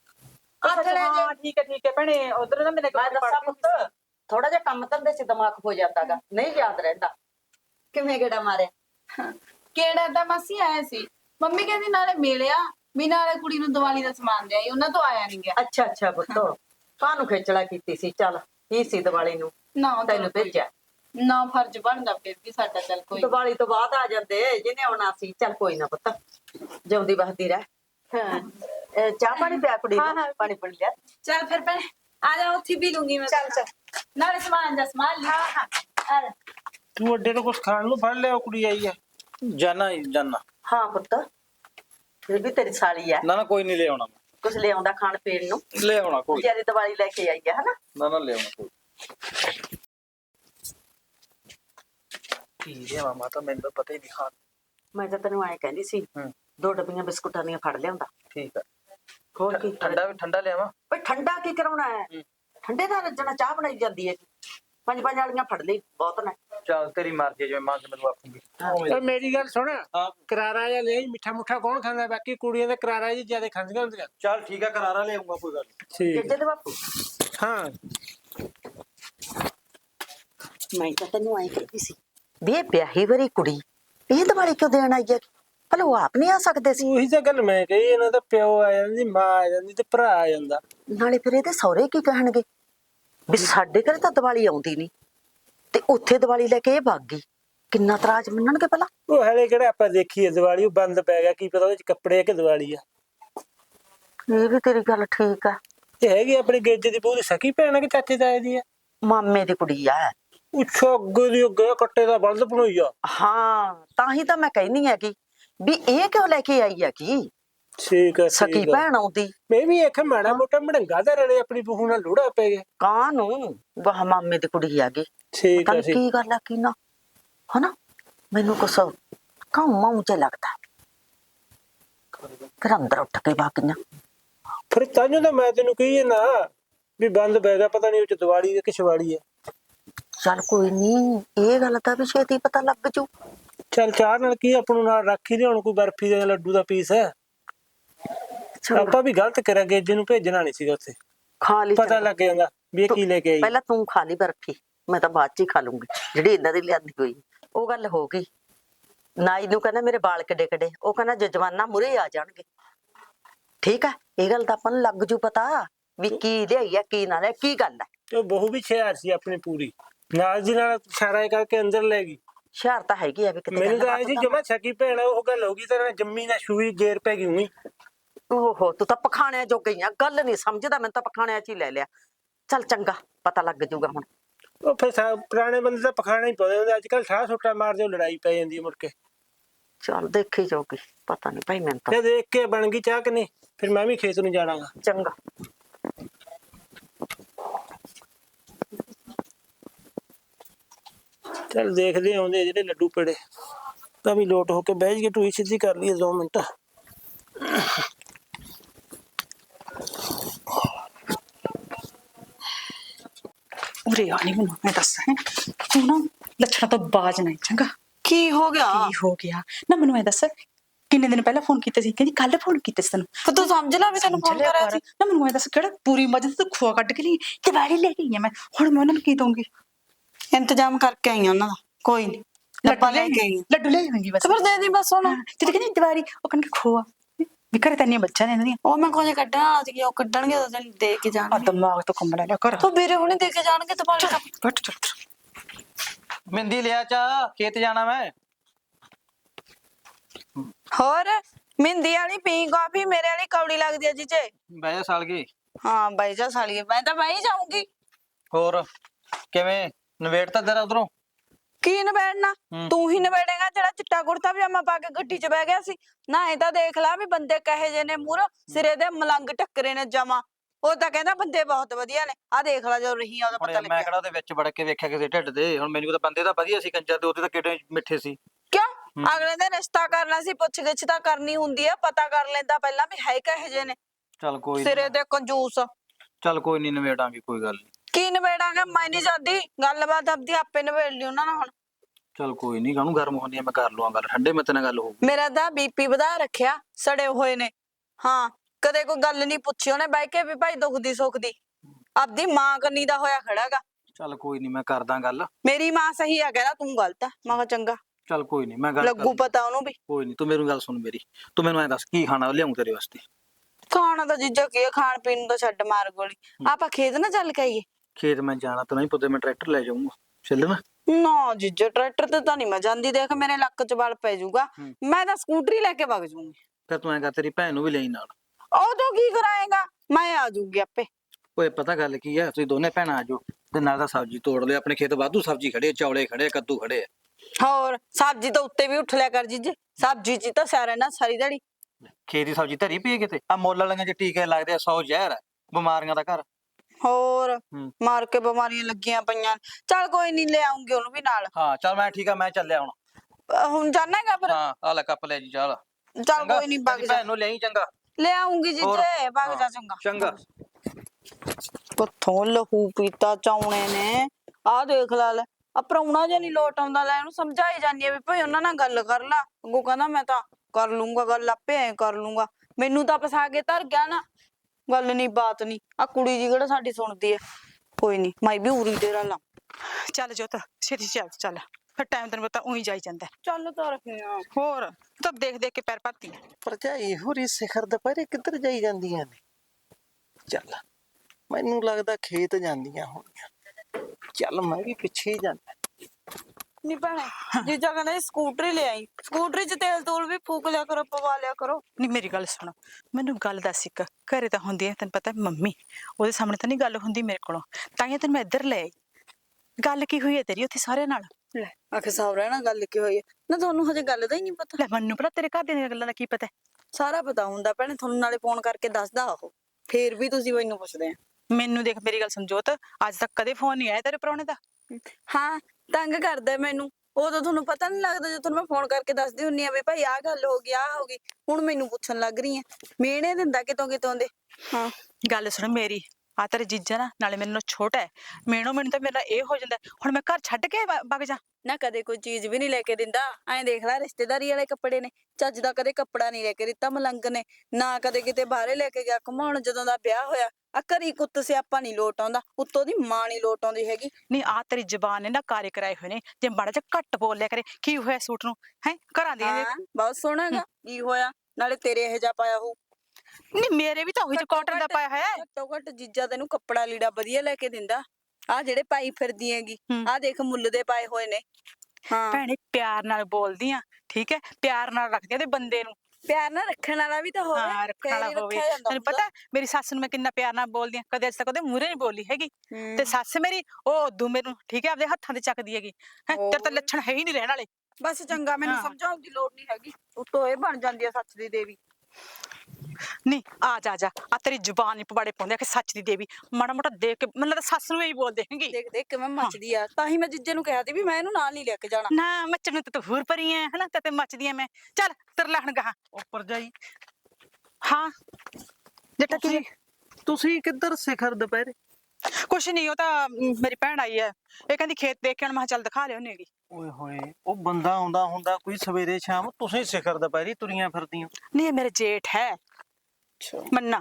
[SPEAKER 1] ਹਾਂ ਠੀਕ ਹੈ ਭੈਣੇ, ਉਧਰ ਨਾ ਮੇਰੇ
[SPEAKER 4] ਮੈਂ ਦੱਸਾਂ ਪੁੱਤ, ਥੋੜਾ ਜਿਹਾ ਕੰਮ ਧੰਦੇ ਚ ਦਿਮਾਗ ਹੋ ਜਾਂਦਾਗਾ, ਨਹੀਂ ਯਾਦ ਰਹਿੰਦਾ। ਕਿਵੇਂ ਗੇੜਾ ਮਾਰਿਆ?
[SPEAKER 3] ਕਿਹੜਾ ਤਾਂ ਮਾਸੀ ਆਇਆ ਸੀ। ਮੰਮੀ ਕਹਿੰਦੀ ਨਾਲੇ ਮਿਲਿਆ ਵੀ ਨਾਲੇ ਕੁੜੀ ਨੂੰ ਦੀਵਾਲੀ ਦਾ ਸਮਾਨ ਦੇ ਆਈ, ਉਹਨਾਂ ਤੋਂ ਆਇਆ ਨਹੀਂ ਗਿਆ।
[SPEAKER 4] ਅੱਛਾ ਅੱਛਾ ਪੁੱਤ, ਕਾਹਨੂੰ ਖੇਚਲਾ ਕੀਤੀ ਸੀ? ਚੱਲ ਕੀ ਸੀ ਦੀਵਾਲੀ ਨੂੰ
[SPEAKER 3] ਨਾ
[SPEAKER 4] ਤੈਨੂੰ ਭੇਜਿਆ।
[SPEAKER 3] ਨਾ ਫਰਜ਼ ਬਣਦਾ ਫਿਰ ਵੀ ਸਾਡਾ, ਚੱਲ ਕੋਈ ਨੀ।
[SPEAKER 4] ਦੀਵਾਲੀ ਤੋਂ ਬਾਅਦ ਆ ਜਾਂਦੇ ਜਿਹਨੇ ਆਉਣਾ ਸੀ। ਚੱਲ ਕੋਈ ਨਾ ਪੁੱਤ, ਜਿਉਂਦੀ ਵਸਦੀ ਰਹਿ। ਹਾਂ ਚਾਹ ਪਾਣੀ ਪਿਆ ਕੁੜੀ
[SPEAKER 3] ਹਾਂ,
[SPEAKER 4] ਨੂੰ,
[SPEAKER 3] ਹਾਂ।
[SPEAKER 4] ਪਾਣੀ ਪੀ ਲਿਆ।
[SPEAKER 3] ਚੱਲ ਫਿਰ ਭੈਣੇ ਆ ਜਾ, ਉੱਥੇ ਵੀ ਲੂੰਗੀ ਮੈਂ।
[SPEAKER 4] ਚੱਲ
[SPEAKER 3] ਨਾਲੇ ਸਮਾਨ ਦਾ ਸਮਾਨ ਲਈ। ਹਾਂ ਹਾਂ
[SPEAKER 5] ਤੂੰ ਅੱਡੇ ਤੋਂ ਕੁਝ ਖਾਣ ਨੂੰ ਫੜ ਲਿਆ, ਉਹ ਕੁੜੀ ਆਈ ਆ।
[SPEAKER 6] ਜਾਨਾ ਹੀ ਜਾਨਾ।
[SPEAKER 4] ਹਾਂ ਪੁੱਤ, ਇਹ ਵੀ ਤੇਰੀ ਸਾਲੀ ਆ,
[SPEAKER 6] ਨਾ ਨਾ ਕੋਈ ਨਹੀਂ ਲੈ ਆਉਣਾ ਮੈਂ।
[SPEAKER 4] ਕੁਛ ਲਿਆਉਂਦਾ ਖਾਣ ਪੀਣ ਨੂੰ।
[SPEAKER 6] ਲੈ ਆਉਣਾ ਕੋਈ।
[SPEAKER 4] ਜਿਹੜੀ ਦੀਵਾਲੀ ਲੈ ਕੇ ਆਈ ਆ ਹਨਾ।
[SPEAKER 6] ਨਾ ਨਾ ਲੈ ਆਉਣਾ ਕੋਈ।
[SPEAKER 5] ਕੀ ਲਿਆ ਮਾਤਾ, ਮੈਨੂੰ ਤਾਂ ਪਤਾ ਹੀ ਨਹੀਂ ਖਾਣ।
[SPEAKER 4] ਮੈਂ ਤਾਂ ਤੈਨੂੰ ਐਂ ਕਹਿੰਦੀ ਸੀ,
[SPEAKER 6] ਹੂੰ
[SPEAKER 4] 2 ਡੱਬੀਆਂ ਬਿਸਕੁਟਾਂ ਦੀਆਂ ਫੜ ਲਿਆਉਂਦਾ।
[SPEAKER 6] ਠੀਕ ਆ।
[SPEAKER 4] ਹੋਰ ਕੀ
[SPEAKER 6] ਠੰਡਾ ਲਿਆਵਾਂ।
[SPEAKER 4] ਓਏ ਠੰਡਾ ਕੀ ਕਰਾਉਣਾ ਹੈ? ਠੰਡੇ ਨਾਲ ਰੱਜਣਾ, ਚਾਹ ਬਣਾਈ ਜਾਂਦੀ ਹੈ। 5 ਵਾਲੀਆਂ ਫੜ ਲਈ, ਬਹੁਤ ਨੇ।
[SPEAKER 6] ਚੱਲ ਤੇਰੀ ਮਰਜ਼ੀ, ਜਿਵੇਂ ਮਾਂ ਮੈਨੂੰ ਆਖੂਗੀ।
[SPEAKER 5] ਓਏ ਮੇਰੀ ਗੱਲ ਸੁਣ,
[SPEAKER 6] ਹਾਂ।
[SPEAKER 5] ਕਰਾਰਾ ਜਾਂ ਲੈ, ਮਿੱਠਾ ਮੁੱਠਾ ਕੌਣ ਖਾਂਦਾ? ਬਾਕੀ ਕੁੜੀਆਂ ਦਾ ਕਰਾਰਾ ਜੀ ਜਿਆਦਾ ਖਾਂਦੀਆਂ ਹੁੰਦੀਆਂ।
[SPEAKER 6] ਚੱਲ ਠੀਕ ਆ, ਕਰਾਰਾ ਲੈ ਆਉਂਗਾ, ਕੋਈ ਗੱਲ ਨੀ।
[SPEAKER 5] ਠੀਕ
[SPEAKER 4] ਕਿੱਡੇ ਦੇ ਬਾਪੂ,
[SPEAKER 5] ਹਾਂ।
[SPEAKER 4] ਮੈਂ ਤਾਂ ਤੈਨੂੰ ਐਂ ਕਹਿੰਦੀ ਸੀ ਵੀ ਇਹ ਵਿਆਹੀ ਵਰੀ ਕੁੜੀ ਇਹ ਦੀਵਾਲੀ ਕਿਉਂ ਦੇਣ ਆਈ ਹੈ? ਭਲਾ ਉਹ ਆਪ ਨਹੀਂ ਆ ਸਕਦੇ ਸੀ?
[SPEAKER 5] ਉਹੀ ਤਾਂ ਗੱਲ ਮੈਂ ਕਹੀ, ਇਹਨਾਂ ਦਾ ਪਿਓ ਆ ਜਾਂਦੀ, ਮਾਂ ਆ ਜਾਂਦੀ ਤੇ ਭਰਾ ਆ ਜਾਂਦਾ।
[SPEAKER 4] ਨਾਲੇ ਫਿਰ ਇਹਦੇ ਸਹੁਰੇ ਕੀ ਕਹਿਣਗੇ ਵੀ ਸਾਡੇ ਘਰੇ ਤਾਂ ਦੀਵਾਲੀ ਆਉਂਦੀ ਨਹੀਂ ਤੇ ਉੱਥੇ ਦੀਵਾਲੀ ਲੈ ਕੇ ਇਹ ਭੱਗ ਗਈ। ਕਿੰਨਾ ਤਰਾਜ ਮੰਨਣਗੇ ਭਲਾ।
[SPEAKER 5] ਉਹ ਹਲੇ ਕਿਹੜਾ ਆਪਾਂ ਦੇਖੀਏ ਦੀਵਾਲੀ, ਉਹ ਬੰਦ ਪੈ ਗਿਆ, ਕੀ ਪਤਾ ਉਹਦੇ ਚ ਕੱਪੜੇ ਆ ਕਿ ਦੀਵਾਲੀ ਆ।
[SPEAKER 4] ਇਹ ਵੀ ਤੇਰੀ ਗੱਲ ਠੀਕ ਆ।
[SPEAKER 5] ਇਹ ਹੈਗੀ ਆਪਣੀ ਗੇਜੇ ਦੀ ਬਹੂ ਦੀ ਸਕੀ ਭੈਣ ਆ ਕਿ ਚਾਚੇ ਤਾਏ ਦੀ ਆ?
[SPEAKER 4] ਮਾਮੇ ਦੀ ਕੁੜੀ ਆ।
[SPEAKER 5] ਉੱਛੋ ਅੱਗੇ ਦੀ ਅੱਗੇ ਕੱਟੇ ਦਾ ਬਲਦ ਬਣਾਈ ਆ।
[SPEAKER 4] ਹਾਂ ਤਾਂ ਹੀ ਤਾਂ ਮੈਂ ਕਹਿੰਦੀ ਹੈਗੀ ਵੀ ਇਹ ਕਿਉਂ ਲੈ ਕੇ ਆਈ ਆ ਕੀ
[SPEAKER 5] ਠੀਕ ਆ
[SPEAKER 4] ਸਕੀ
[SPEAKER 5] ਠੀਕ ਆ।
[SPEAKER 4] ਭੈਣ ਆਉਂਦੀ।
[SPEAKER 5] ਮੈਂ ਵੀ ਇੱਕ ਮਾੜਾ ਮੋਟਾ ਮੜੰਗਾ ਦਾ ਰਲੇ ਆਪਣੀ ਬਹੂ ਨਾਲ ਲੋੜਾ ਪੈ ਗਿਆ।
[SPEAKER 4] ਕਾਂ ਨੂੰ ਵਾਹ ਮਾਮੇ ਦੀ ਕੁੜੀ ਆ ਗਈ।
[SPEAKER 5] ਠੀਕ
[SPEAKER 4] ਪਤਾ
[SPEAKER 5] ਆ
[SPEAKER 4] ਨੀ ਕੀ ਗੱਲ ਆ ਕੀ ਨਾ, ਹਨਾ? ਮੈਨੂੰ ਕੁਛ ਕਾਉਂ ਮੁਝੇ ਲੱਗਦਾ ਫਿਰ ਅੰਦਰ ਉੱਠ ਕੇ ਬਾਕੀਆਂ।
[SPEAKER 5] ਫਿਰ ਤਾਂਯੋ ਤਾਂ ਮੈਂ ਤੈਨੂੰ ਕਹੀ ਨਾ ਵੀ ਬੰਦ ਪੈ ਗਿਆ, ਪਤਾ ਨਹੀਂ ਉਹ ਚ ਦੀਵਾਲੀ ਹੈ ਕਿ ਸ਼ਵਾਲੀ ਹੈ।
[SPEAKER 4] ਚੱਲ ਕੋਈ ਨਹੀਂ, ਇਹ ਗੱਲ ਤਾਂ ਵੀ ਛੇਤੀ ਪਤਾ ਲੱਗ ਜੂ।
[SPEAKER 5] ਚੱਲ ਚਾਹ ਨਾਲ ਕੀ ਆਪਾਂ ਨੂੰ ਨਾਲ ਰੱਖ ਹੀ ਲਿਆਉਣ ਕੋਈ ਬਰਫੀ ਦਾ ਲੱਡੂ ਦਾ ਪੀਸ ਹੈ। ਆਪਾਂ ਵੀ ਗਲਤ ਕਰਾਂਗੇ, ਜਿਹਨੂੰ ਭੇਜਣਾ ਨਹੀਂ ਸੀਗਾ ਉੱਥੇ।
[SPEAKER 4] ਖਾ ਲਈ
[SPEAKER 5] ਪਤਾ ਲੱਗ ਜਾਂਦਾ ਵੀ ਇਹ ਕੀ ਲੈ ਕੇ ਆਈ।
[SPEAKER 4] ਪਹਿਲਾਂ ਤੂੰ ਖਾ ਲਈ ਬਰਫੀ, ਮੈਂ ਤਾਂ ਬਾਅਦ ਚ ਹੀ ਖਾ ਲੂੰਗੀ ਜਿਹੜੀ ਇਹਨਾਂ ਦੀ ਲਿਆਂਦੀ ਹੋਈ। ਉਹ ਗੱਲ ਹੋ ਗਈ। ਨਾਈ ਨੂੰ ਕਹਿੰਦਾ ਮੇਰੇ ਵਾਲ ਕਿੱਡੇ ਕਿੱਡੇ, ਉਹ ਕਹਿੰਦਾ ਜਜਮਾਨਾ ਮੁਰੇ ਆ ਜਾਣਗੇ। ਠੀਕ ਆ, ਇਹ ਗੱਲ ਤਾਂ ਆਪਾਂ ਨੂੰ ਲੱਗ ਜੂ ਪਤਾ ਵੀ ਕੀ ਲਿਆਈ ਆ ਕੀ ਨਾ ਲਿਆ, ਕੀ ਗੱਲ ਹੈ।
[SPEAKER 5] ਤੇ ਉਹ ਬਹੂ ਵੀ ਹੁਸ਼ਿਆਰ ਸੀ ਆਪਣੀ ਪੂਰੀ, ਨਾਲ ਦੀ ਨਾਲ ਇਸ਼ਾਰਾ ਕਰਕੇ ਅੰਦਰ ਲੈ ਗਈ।
[SPEAKER 4] ਹੁਸ਼ਿਆਰ ਤਾਂ ਹੈਗੀ ਆ ਵੀ ਕਿਤੇ
[SPEAKER 5] ਮੈਨੂੰ ਤਾਂ
[SPEAKER 4] ਗੱਲ
[SPEAKER 5] ਆਈ ਸੀ ਜਮਾ ਛਕੀ ਭੈਣ ਆ, ਉਹ ਗੱਲ ਹੋ ਗਈ ਤਾਂ ਜੰਮੀ ਨਾ ਛੂਈ ਜੇਰ ਪੈ ਗਈ ਉਹੀ।
[SPEAKER 4] ਓਹੋ ਤੂੰ ਤਾਂ ਪਖਾਣਿਆਂ ਜੋ ਗਈਆਂ, ਗੱਲ ਨਹੀਂ ਸਮਝਦਾ, ਮੈਨੂੰ ਤਾਂ ਪਖਾਣਿਆਂ ਚ ਹੀ ਲੈ ਲਿਆ। ਚੱਲ ਚੰਗਾ, ਪਤਾ ਲੱਗ ਜੂਗਾ ਹੁਣ।
[SPEAKER 5] ਉਹ ਫਿਰ ਪੁਰਾਣੇ ਬੰਦੇ ਤਾਂ ਪਖਾਣਾ ਹੀ ਪਾਉਂਦੇ ਹੁੰਦੇ, ਅੱਜ ਕੱਲ ਠਾਹ ਸੁੱਟਾ ਮਾਰਦੇ ਉਹ ਲੜਾਈ ਪੈ ਜਾਂਦੀ ਹੈ ਮੁੜ ਕੇ।
[SPEAKER 4] ਚੱਲ ਦੇਖੀ ਜਾਊਗੀ, ਪਤਾ ਨਹੀਂ ਭਾਈ ਮੈਨੂੰ ਤਾਂ।
[SPEAKER 5] ਤੇ ਦੇਖ ਕੇ ਬਣ ਗਈ ਚਾਹ ਕਿ ਨਹੀਂ, ਫਿਰ ਮੈਂ ਵੀ ਖੇਤ ਨੂੰ ਜਾਣਾਗਾ।
[SPEAKER 4] ਚੰਗਾ।
[SPEAKER 5] ਚੱਲ ਦੇਖਦੇ ਆਉਂਦੇ ਆ ਜਿਹੜੇ ਲੱਡੂ ਪੇੜੇ, ਤਾਂ ਵੀ ਲੋਟ ਹੋ ਕੇ ਬਹਿ ਜਾਈਏ, ਟੂਈ ਸਿੱਧੀ ਕਰ ਲਈਏ 2 ਮਿੰਟ।
[SPEAKER 1] ਉਰੇ ਆ ਨਹੀਂ ਮੈਨੂੰ, ਮੈਂ ਦੱਸ ਹੈ ਤੂੰ ਨਾ ਲੱਛਣਾ ਤੋਂ ਬਾਜ ਨਹੀਂ ਚੰਗਾ।
[SPEAKER 3] ਕੀ ਹੋ ਗਿਆ?
[SPEAKER 1] ਕੀ ਹੋ ਗਿਆ ਨਾ, ਮੈਨੂੰ ਇਹ ਦੱਸ ਕਿੰਨੇ ਦਿਨ ਪਹਿਲਾਂ ਫੋਨ ਕੀਤਾ ਸੀ? ਕਹਿੰਦੀ ਕੱਲ ਫੋਨ ਕੀਤਾ ਸੀ ਤੈਨੂੰ।
[SPEAKER 3] ਫਿਰ ਤੂੰ ਸਮਝ ਲੈ ਵੀ ਤੈਨੂੰ ਫੋਨ
[SPEAKER 1] ਸਮਝ ਲਿਆ
[SPEAKER 3] ਕਰਿਆ
[SPEAKER 1] ਕਰ।
[SPEAKER 3] ਸੀ।
[SPEAKER 1] ਨਾ ਮੈਨੂੰ ਇਹ ਦੱਸ ਕਿਹੜਾ ਪੂਰੀ ਮਜਦ ਤੂੰ ਖੋਆ ਕੱਢ ਕੇ ਲਈ ਦੀਵਾਲੀ ਲੈ ਕੇ ਆਈ ਆ ਮੈਂ, ਹੁਣ ਮੈਂ ਉਹਨਾਂ ਨੂੰ ਕੀ ਦਊਂਗੀ?
[SPEAKER 3] ਇੰਤਜ਼ਾਮ ਕਰਕੇ ਆਈ ਉਹਨਾਂ ਦਾ, ਕੋਈ ਨਹੀਂ ਲੱਪਾ ਲੈ ਕੇ ਆਈ।
[SPEAKER 1] ਲੱਡੂ ਲੈ ਆਉਂਗੀ ਬਸ।
[SPEAKER 3] ਤੇ ਫਿਰ ਦੇ ਦੀ ਬਸ ਹੁਣ।
[SPEAKER 1] ਤੇ ਕਹਿੰਦੀ ਦੀਵਾਲੀ ਉਹ ਕਹਿੰਦੀ ਖੋਆ ਵੀ ਘਰੇ ਤੈਨੂੰ ਬੱਚਾ ਨੇ ਇਹਨਾਂ ਦੀਆਂ।
[SPEAKER 3] ਉਹ ਮੈਂ ਕੁਝ ਕੱਢਣ ਵਾਲਾ ਸੀ, ਉਹ ਕੱਢਣਗੇ ਤਾਂ ਤੈਨੂੰ ਦੇ ਕੇ
[SPEAKER 1] ਆ
[SPEAKER 3] ਜਾਣਗੇ।
[SPEAKER 1] ਦਿਮਾਗ ਤੋਂ ਕੰਮ ਲੈ ਲਿਆ ਕਰ।
[SPEAKER 3] ਤੂੰ ਵੀਰੇ ਹੁਣੇ ਦੇ ਕੇ ਜਾਣਗੇ ਤੇ ਪਾਣੀ
[SPEAKER 1] ਬਟ ਚੱਲ
[SPEAKER 6] ਮਹਿੰਦੀ ਲਿਆ ਚਾਹ, ਖੇਤ ਜਾਣਾ ਮੈਂ।
[SPEAKER 3] ਹੋਰ ਮਹਿੰਦੀ ਵਾਲੀ ਪੀ ਕਾਫੀ, ਮੇਰੇ ਵਾਲੀ ਕੌੜੀ ਲੱਗਦੀ ਹੈ ਜੀਜੇ।
[SPEAKER 6] ਬਹਿ ਜਾ ਸਾਲ ਗਈ।
[SPEAKER 3] ਹਾਂ ਬਾਈ ਜਾ ਸਾਲੀਏ, ਮੈਂ ਤਾਂ ਬਾਈ ਜਾਊਂਗੀ।
[SPEAKER 6] ਹੋਰ ਕਿਵੇਂ ਨਵੇੜ ਤਾਂ ਤੇਰਾ ਉਧਰੋਂ?
[SPEAKER 3] ਕੀ ਨਵੇੜਨਾ? ਤੂੰ ਹੀ ਨਵੇੜੇਗਾ ਜਿਹੜਾ ਚਿੱਟਾ ਕੁੜਤਾ ਪਜਾਮਾ ਪਾ ਕੇ ਗੱਡੀ 'ਚ ਬਹਿ ਗਿਆ ਸੀ ਨਾ। ਇਹ ਤਾਂ ਦੇਖ ਲੈ ਵੀ ਬੰਦੇ ਕਹੇ ਜੇ ਨੇ, ਮੂਹਰੋਂ ਸਿਰੇ ਦੇ ਮਲੰਗ ਟੱਕਰੇ ਨੇ ਜਮਾ। ਉਹ ਤਾਂ ਕਹਿੰਦਾ ਬੰਦੇ ਬਹੁਤ ਵਧੀਆ ਨੇ, ਆ ਦੇਖ ਲੈ ਜਦੋਂ ਰਹੀ ਆ ਉਹਦਾ ਪਤਾ
[SPEAKER 6] ਮੈਂ
[SPEAKER 3] ਲੱਗਿਆ।
[SPEAKER 6] ਕਿਹੜਾ ਉਹਦੇ ਵਿੱਚ ਵੜ ਕੇ ਵੇਖਿਆ ਕਿਸੇ ਢਿੱਡ ਦੇ। ਹੁਣ ਮੈਨੂੰ ਤਾਂ ਬੰਦੇ ਤਾਂ ਵਧੀਆ ਸੀ, ਕੰਜਰ ਤੇ ਉਹਦੇ ਤਾਂ ਕਿਹੜੇ ਮਿੱਠੇ ਸੀ।
[SPEAKER 3] ਕਿਉਂ? ਅਗਲੇ ਨੇ ਰਿਸ਼ਤਾ ਕਰਨਾ ਸੀ, ਪੁੱਛ ਗਿੱਛ ਤਾਂ ਕਰਨੀ ਹੁੰਦੀ ਆ, ਪਤਾ ਕਰ ਲੈਂਦਾ ਪਹਿਲਾਂ ਵੀ ਹੈ ਕਹੇ ਜੇ ਨੇ।
[SPEAKER 6] ਚੱਲ ਕੋਈ
[SPEAKER 3] ਸਿਰੇ
[SPEAKER 6] ਨੀ,
[SPEAKER 3] ਦੇ ਕੰਜੂਸ।
[SPEAKER 6] ਚੱਲ ਕੋਈ ਨਹੀਂ ਨਵੇੜਾਂਗੇ, ਕੋਈ ਗੱਲ ਨਹੀਂ।
[SPEAKER 3] ਕੀ ਨਵੇੜਾਂਗੇ? ਮੈਂ ਨਹੀਂ ਜਾਂਦੀ, ਗੱਲਬਾਤ ਆਪਦੀ ਆਪੇ ਨਵੇੜ ਲਈ ਉਹਨਾਂ ਨਾਲ। ਹੁਣ
[SPEAKER 6] ਚੱਲ ਕੋਈ ਨਹੀਂ, ਕਾਹਨੂੰ ਗਰਮ ਹੁੰਦੀ ਆ, ਮੈਂ ਕਰ ਲਵਾਂ ਗੱਲ, ਠੰਡੇ ਮੱਤੇ ਨਾਲ ਗੱਲ ਹੋਊਗੀ।
[SPEAKER 3] ਮੇਰਾ ਤਾਂ ਬੀਪੀ ਵਧਾ ਰੱਖਿਆ, ਸੜੇ ਹੋਏ ਨੇ। ਹਾਂ ਕਦੇ ਕੋਈ ਗੱਲ ਨਹੀਂ ਪੁੱਛੀ ਉਹਨੇ ਬਹਿ ਕੇ ਵੀ ਭਾਈ ਦੁੱਖ ਦੀ ਸੁੱਖ ਦੀ, ਆਪਦੀ ਮਾਂ ਕੰਨੀ ਦਾ ਹੋਇਆ ਖੜਾਗਾ।
[SPEAKER 6] ਚੱਲ ਕੋਈ ਨਹੀਂ, ਮੈਂ ਕਰਦਾ ਗੱਲ।
[SPEAKER 3] ਮੇਰੀ ਮਾਂ ਸਹੀ ਆ, ਕਹਿੰਦਾ ਤੂੰ ਗਲਤ ਆ। ਮੈਂ ਕਿਹਾ ਚੰਗਾ,
[SPEAKER 6] ਚੱਲ ਕੋਈ ਨਹੀਂ, ਮੈਂ ਗੱਲ
[SPEAKER 3] ਲੱਗੂ ਪਤਾ ਉਹਨੂੰ ਵੀ।
[SPEAKER 6] ਕੋਈ ਨਹੀਂ, ਤੂੰ ਮੇਰੀ ਗੱਲ ਸੁਣ ਮੇਰੀ। ਤੂੰ ਮੈਨੂੰ ਐ ਦੱਸ ਕੀ ਖਾਣਾ ਲਿਆਉਂ ਤੇਰੇ ਵਾਸਤੇ?
[SPEAKER 3] ਖਾਣਾ ਤਾਂ ਜੀਜਾ ਕੀ ਆ, ਖਾਣ ਪੀਣ ਨੂੰ ਤਾਂ ਛੱਡ ਮਾਰ ਗੋਲੀ। ਆਪਾਂ ਖੇਤ ਨਾ ਚੱਲ ਕੇ ਆਈਏ।
[SPEAKER 6] ਖੇਤ ਮੈਂ ਜਾਣਾ ਤਾਂ ਨਹੀਂ ਪੁੱਤੇ, ਮੈਂ ਟਰੈਕਟਰ ਲੈ ਜਾਊਂਗਾ, ਚੱਲਣਾ।
[SPEAKER 3] ਨਾ ਜੀਜੇ ਟਰੈਕਟਰ ਤੇ ਤਾਂ ਨਹੀਂ ਮੈਂ ਜਾਂਦੀ, ਦੇਖ ਮੇਰੇ ਲੱਕ 'ਚ ਬਲ ਪੈ ਜਾਊਗਾ। ਮੈਂ ਤਾਂ ਸਕੂਟਰੀ ਲੈ ਕੇ ਵਗ ਜੂੰਗੀ।
[SPEAKER 6] ਫਿਰ ਤੂੰ ਐਂ ਕਰ, ਤੇਰੀ ਭੈਣ ਨੂੰ ਵੀ ਲਈ ਨਾਲ।
[SPEAKER 3] ਉਹ ਤੋਂ ਕੀ ਕਰਾਏਗਾ, ਮੈਂ ਆ ਜੂਗੀ ਆਪੇ।
[SPEAKER 6] ਓਏ ਪਤਾ ਗੱਲ ਕੀ ਆ, ਤੁਸੀਂ ਦੋਨੇ ਭੈਣਾਂ ਆ ਜਾਓ ਤੇ ਨਾਲ ਤਾਂ ਸਬਜ਼ੀ ਤੋੜ ਲਿਓ, ਆਪਣੇ ਖੇਤ ਵਾਧੂ ਸਬਜ਼ੀ ਖੜੇ ਆ, ਚੌਲੇ ਖੜੇ ਆ, ਕੱਦੂ ਖੜੇ ਆ।
[SPEAKER 3] ਹੋਰ ਸਬਜ਼ੀ ਤਾਂ ਉੱਤੇ ਵੀ ਉੱਠ ਲਿਆ ਕਰ ਜੀਜੇ, ਸਬਜ਼ੀ 'ਚ ਤਾਂ ਸਾਰਾ ਨਾ ਸਾਰੀ ਦਿਹਾੜੀ।
[SPEAKER 6] ਖੇਤ ਦੀ ਸਬਜ਼ੀ ਧਰੀ ਪਈ ਹੈ ਕਿਤੇ? ਆ ਮੁੱਲ ਵਾਲੀਆਂ 'ਚ ਟੀਕੇ ਲੱਗਦੇ ਆ, 100 ਜ਼ਹਿਰ ਆ, ਬਿਮਾਰੀਆਂ ਦਾ ਘਰ।
[SPEAKER 3] ਹੋਰ ਮਾਰ ਕੇ ਬਿਮਾਰੀਆਂ ਲੱਗੀਆਂ ਪਈਆਂ। ਚੱਲ ਕੋਈ ਨਹੀਂ, ਲੈ ਆਉਂਗੀ ਉਹਨੂੰ ਵੀ ਨਾਲ।
[SPEAKER 6] ਹਾਂ ਚੱਲ ਮੈਂ ਠੀਕ ਆ, ਮੈਂ ਚੱਲਿਆ ਹੁਣ।
[SPEAKER 3] ਹੁਣ ਜਾਣਾਗਾ ਫਿਰ?
[SPEAKER 6] ਹਾਂ ਆ ਲੈ ਕੱਪ ਲੈ ਜੀ ਚਾਹ ਦਾ।
[SPEAKER 3] ਚੱਲ ਕੋਈ ਨਹੀਂ, ਵਗ
[SPEAKER 6] ਤੇਰੀ
[SPEAKER 3] ਜਾ।
[SPEAKER 6] ਭੈਣ ਨੂੰ ਲਿਆਈ ਚੰਗਾ।
[SPEAKER 3] ਲੈ ਆਉਂਗੀ
[SPEAKER 6] ਹੋਰ?
[SPEAKER 3] ਜੀਜੇ, ਵਗ ਜਾ।
[SPEAKER 6] ਹਾਂ,
[SPEAKER 3] ਚੰਗਾ
[SPEAKER 6] ਚੰਗਾ।
[SPEAKER 3] ਕਿੱਥੋਂ ਲਹੂ ਪੀਤਾ ਚਾਉਣੇ ਨੇ। ਆਹ ਦੇਖ ਲੈ ਆ ਪ੍ਰਾਹੁਣਾ ਜਿਹਾ ਨੀ ਲੋਟ ਆਉਂਦਾ। ਲੈ ਇਹਨੂੰ ਸਮਝਾਈ ਜਾਂਦੀ ਆ ਵੀ ਭਾਈ ਉਹਨਾਂ ਨਾਲ ਗੱਲ ਕਰ ਲਾ। ਅੱਗੋਂ ਕਹਿੰਦਾ ਮੈਂ ਤਾਂ ਕਰ ਲੂੰਗਾ ਗੱਲ, ਆਪੇ ਐ ਕਰ ਲੂੰਗਾ। ਮੈਨੂੰ ਤਾਂ ਫਸਾ ਕੇ ਧਰ ਗਿਆ ਨਾ, ਗੱਲ ਨੀ ਬਾਤ ਨੀ। ਆ ਕੁੜੀ ਜੀ ਕਿਹੜਾ ਸਾਡੀ ਸੁਣਦੀ ਐ। ਕੋਈ ਨੀ, ਮੈਂ ਵੀ ਉਰੀ ਡੇਰਾ ਲਾ।
[SPEAKER 1] ਚੱਲ ਜੋਤ ਛੇਤੀ ਚੱਲ, ਫਿਰ ਟਾਈਮ ਤੈਨੂੰ ਪਤਾ ਉਹੀ ਜਾਈ ਜਾਂਦਾ।
[SPEAKER 3] ਚੱਲ ਤਾਂ ਰੱਖਿਆ।
[SPEAKER 1] ਹੋਰ ਤਾਂ ਦੇਖ ਦੇਖ ਕੇ ਪੈਰ ਭਰਤੀ।
[SPEAKER 2] ਭਰਜਾਈ ਹੋਰੀ ਸਿਖਰ ਦੁਪਹਿਰੇ ਕਿੱਧਰ ਜਾਈ ਜਾਂਦੀਆਂ ਨੇ? ਚੱਲ ਮੈਨੂੰ ਲੱਗਦਾ ਖੇਤ ਜਾਂਦੀਆਂ ਹੋਣੀਆਂ। ਚੱਲ ਮੈਂ ਵੀ ਪਿੱਛੇ ਹੀ ਜਾਂਦਾ।
[SPEAKER 3] ਨੀ ਭੈਣੇ, ਜੀਜਾ ਕਹਿੰਦਾ ਸਕੂਟਰੀ ਲੈ ਆਈ। ਸਕੂਟਰੀ 'ਚ ਤੇਲ ਤੂਲ ਵੀ ਫੂਕ ਲਿਆ ਕਰੋ, ਪਵਾ ਲਿਆ ਕਰੋ।
[SPEAKER 1] ਨਹੀਂ ਮੇਰੀ ਗੱਲ ਸੁਣ, ਮੈਨੂੰ ਗੱਲ ਦੱਸ ਇੱਕ। ਘਰੇ ਤਾਂ ਹੁੰਦੀ ਹੈ ਤੈਨੂੰ ਪਤਾ ਮੰਮੀ, ਉਹਦੇ ਸਾਹਮਣੇ ਤਾਂ ਨਹੀਂ ਗੱਲ ਹੁੰਦੀ ਮੇਰੇ ਕੋਲੋਂ, ਤਾਂ ਹੀ ਤੈਨੂੰ ਮੈਂ ਇੱਧਰ ਲੈ ਆਈ। ਗੱਲ ਕੀ ਹੋਈ ਹੈ ਤੇਰੀ ਉੱਥੇ ਸਾਰਿਆਂ ਨਾਲ?
[SPEAKER 3] ਲੈ ਆਖੇ ਸੌਰਿਆਂ ਨਾਲ ਗੱਲ ਕੀ ਹੋਈ ਹੈ ਨਾ, ਤੁਹਾਨੂੰ ਹਜੇ ਗੱਲ ਦਾ ਹੀ ਨਹੀਂ ਪਤਾ।
[SPEAKER 1] ਲੈ ਮੈਨੂੰ ਪਤਾ, ਤੇਰੇ ਘਰ ਦੀਆਂ ਗੱਲਾਂ ਦਾ ਕੀ ਪਤਾ?
[SPEAKER 3] ਸਾਰਾ ਪਤਾ ਹੁੰਦਾ ਭੈਣੇ ਤੁਹਾਨੂੰ, ਨਾਲੇ ਫੋਨ ਕਰਕੇ ਦੱਸਦਾ ਉਹ। ਫੇਰ ਵੀ ਤੁਸੀਂ ਮੈਨੂੰ ਪੁੱਛਦੇ ਆ।
[SPEAKER 1] ਮੈਨੂੰ ਦੇਖ, ਮੇਰੀ ਗੱਲ ਸਮਝੋਤ, ਅੱਜ ਤੱਕ ਕਦੇ ਫੋਨ ਨਹੀਂ ਆਇਆ ਤੇਰੇ ਪ੍ਰਾਹੁਣੇ ਦਾ।
[SPEAKER 3] ਹਾਂ, ਤੰਗ ਕਰਦਾ ਮੈਨੂੰ। ਉਦੋਂ ਤੁਹਾਨੂੰ ਪਤਾ ਨੀ ਲੱਗਦਾ ਜਦੋਂ ਤੁਹਾਨੂੰ ਮੈਂ ਫੋਨ ਕਰਕੇ ਦੱਸਦੀ ਹੁੰਨੀ ਆ ਵੀ ਭਾਈ ਆਹ ਗੱਲ ਹੋ ਗਈ, ਆਹ ਹੋ ਗਈ। ਹੁਣ ਮੈਨੂੰ ਪੁੱਛਣ ਲੱਗ ਰਹੀ ਆ, ਮਿਹਣੇ ਦਿੰਦਾ ਕਿਤੋਂ ਕਿਤੋਂ ਦੇ। ਹਾਂ
[SPEAKER 1] ਗੱਲ ਸੁਣ ਮੇਰੀ, ਆ ਤੇਰੇ ਜੀਜਾ ਨਾ ਨਾਲੇ ਮੈਨੂੰ ਛੋਟਾ ਹੈ। ਮੈਨੂੰ ਤਾਂ ਮੇਰਾ ਇਹ ਹੋ ਜਾਂਦਾ ਹੁਣ ਮੈਂ ਘਰ ਛੱਡ ਕੇ ਵਗ ਜਾ।
[SPEAKER 3] ਨਾ ਕਦੇ ਕੋਈ ਚੀਜ਼ ਵੀ ਨਹੀਂ ਲੈ ਕੇ ਦਿੰਦਾ। ਐਂ ਦੇਖ ਲੈ, ਰਿਸ਼ਤੇਦਾਰੀ ਵਾਲੇ ਕੱਪੜੇ ਨੇ, ਚੱਜ ਦਾ ਕਦੇ ਕੱਪੜਾ ਨਹੀਂ ਲੈ ਕੇ ਦਿੱਤਾ ਮਲੰਗ ਨੇ। ਨਾ ਕਦੇ ਕਿਤੇ ਬਾਹਰੇ ਲੈ ਕੇ ਗਿਆ ਘੁਮਾਉਣ। ਜਦੋਂ ਦਾ ਵਿਆਹ ਹੋਇਆ ਆ ਘਰੀ ਕੁੱਤ ਸਿਆਪਾ ਨਹੀਂ ਲੋਟ ਆਉਂਦਾ, ਉੱਤੋਂ ਦੀ ਮਾਂ ਨਹੀਂ ਲੋਟ ਆਉਂਦੀ ਹੈਗੀ।
[SPEAKER 1] ਨਹੀਂ ਆ ਤੇਰੀ ਜ਼ਬਾਨ ਨੇ ਨਾ ਕਾਰੇ ਕਰਾਏ ਹੋਏ ਨੇ, ਜੇ ਮਾੜਾ ਜਿਹਾ ਘੱਟ ਬੋਲ ਲਿਆ ਕਰੇ। ਕੀ ਹੋਇਆ ਸੂਟ ਨੂੰ ਹੈ? ਘਰਾਂ ਦੇ
[SPEAKER 3] ਹਾਂ ਬਹੁਤ ਸੋਹਣਾ ਗਾ। ਕੀ ਹੋਇਆ, ਨਾਲੇ ਤੇਰੇ ਇਹ ਜਾ ਪਾਇਆ ਹੋ।
[SPEAKER 1] ਨਹੀਂ ਮੇਰੇ ਵੀ ਤਾਂ ਉਹੀ ਕਾਟਨ ਦਾ ਪਾਇਆ ਹੋਇਆ ਹੈ।
[SPEAKER 3] ਘੱਟੋ ਘੱਟ ਜੀਜਾ ਤੈਨੂੰ ਕੱਪੜਾ ਲੀੜਾ ਵਧੀਆ ਲੈ ਕੇ ਦਿੰਦਾ। ਆ ਜਿਹੜੇ ਪਾਈ ਫਿਰਦੀ ਹੈਗੀ, ਆ ਦੇਖ ਮੁੱਲ ਦੇ ਪਾਏ ਹੋਏ ਨੇ। ਹਾਂ
[SPEAKER 1] ਭੈਣੇ ਪਿਆਰ ਨਾਲ ਬੋਲਦੀ ਆ, ਠੀਕ ਹੈ, ਪਿਆਰ ਨਾਲ ਰੱਖਦੀ ਆ ਤੇ ਬੰਦੇ ਨੂੰ।
[SPEAKER 3] ਪਿਆਰ ਨਾਲ ਰੱਖਣ ਵਾਲਾ ਵੀ ਤਾਂ ਹੋਵੇ।
[SPEAKER 1] ਹਾਂ ਰੱਖਣ ਵਾਲਾ ਹੋਵੇ। ਤੈਨੂੰ ਪਤਾ ਮੇਰੀ ਸੱਸ ਨੂੰ ਮੈਂ ਕਿੰਨਾ ਪਿਆਰ ਨਾਲ ਬੋਲਦੀ ਆ, ਕਦੇ ਅੱਜ ਤੱਕ ਉਹਦੇ ਮੂਹਰੇ ਨਹੀਂ ਬੋਲੀ ਹੈਗੀ। ਤੇ ਸੱਸ ਮੇਰੀ ਉਹ ਉਦੋਂ ਮੈਨੂੰ ਠੀਕ ਹੈ ਆਪਦੇ ਹੱਥਾਂ ਤੇ ਚੱਕਦੀ ਹੈਗੀ ਹੈ। ਤੇਰੇ ਤਾਂ ਲੱਛਣ ਹੈ ਹੀ ਨਹੀਂ ਰਹਿਣ ਵਾਲੇ।
[SPEAKER 3] ਬਸ ਚੰਗਾ, ਮੈਨੂੰ ਸਮਝਾਉਣ ਦੀ ਲੋੜ ਨਹੀਂ ਹੈਗੀ। ਉੱਤੋਂ ਇਹ ਬਣ ਜਾਂਦੀ ਆ ਸੱਚ ਦੀ ਦੇਵੀ।
[SPEAKER 1] ਨਹੀਂ ਆ ਜਾ ਆ ਤੇਰੀ ਜ਼ੁਬਾਨ ਹੀ ਪਵਾੜੇ ਪਾਉਂਦੇ ਆ ਕਿ ਸੱਚ ਦੀ ਦੇਵੀ। ਮਾੜਾ ਮੋਟਾ ਦੇਖ ਕੇ ਮੈਨੂੰ ਲੱਗਦਾ ਸੱਸ ਨੂੰ ਹੀ ਬੋਲਦੇ ਹੈਗੀ।
[SPEAKER 3] ਦੇਖ ਦੇਖ ਕਿਵੇਂ ਮੱਚਦੀ ਆ। ਤਾਂ ਹੀ ਮੈਂ ਜੀਜੇ ਨੂੰ ਕਿਹਾ ਸੀ ਵੀ ਮੈਂ ਇਹਨੂੰ ਨਾਲ ਨਹੀਂ ਲੈ ਕੇ ਜਾਣਾ।
[SPEAKER 1] ਨਾ ਮੱਚਣ ਨੂੰ ਤੂੰ ਹੂਰ ਪਰੀ ਐ ਹਨਾ, ਤੇ ਮੱਚਦੀ ਐ ਮੈਂ। ਚੱਲ ਤੇਰੇ ਲਹਣ ਗਾਹਾਂ।
[SPEAKER 2] ਉਹ ਭਰਜਾਈ
[SPEAKER 1] ਹਾਂ ਜੱਟਾ ਕੀ?
[SPEAKER 2] ਤੁਸੀਂ ਕਿੱਧਰ ਸਿਖਰ ਦੁਪਹਿਰੇ?
[SPEAKER 1] ਕੁਛ ਨਹੀਂ, ਉਹ ਤਾਂ ਮੇਰੀ ਭੈਣ ਆਈ ਐ, ਇਹ ਕਹਿੰਦੀ ਖੇਤ ਦੇਖ ਕੇ ਆਉਣ। ਮੈਂ ਕਿਹਾ ਚੱਲ ਦਿਖਾ ਲਿਆਉਣੀ ਹੈਗੀ।
[SPEAKER 2] ਓਏ ਹੋਏ, ਉਹ ਬੰਦਾ ਆਉਂਦਾ ਹੁੰਦਾ ਕੋਈ ਸਵੇਰੇ ਸ਼ਾਮ, ਤੁਸੀਂ ਸਿਖਰ ਦੁਪਹਿਰੇ ਤੁਰੀਆਂ ਫਿਰਦੀਆਂ।
[SPEAKER 1] ਨਹੀਂ ਇਹ ਮੇਰੇ ਜੇਠ ਹੈ ਮੰਨਾ।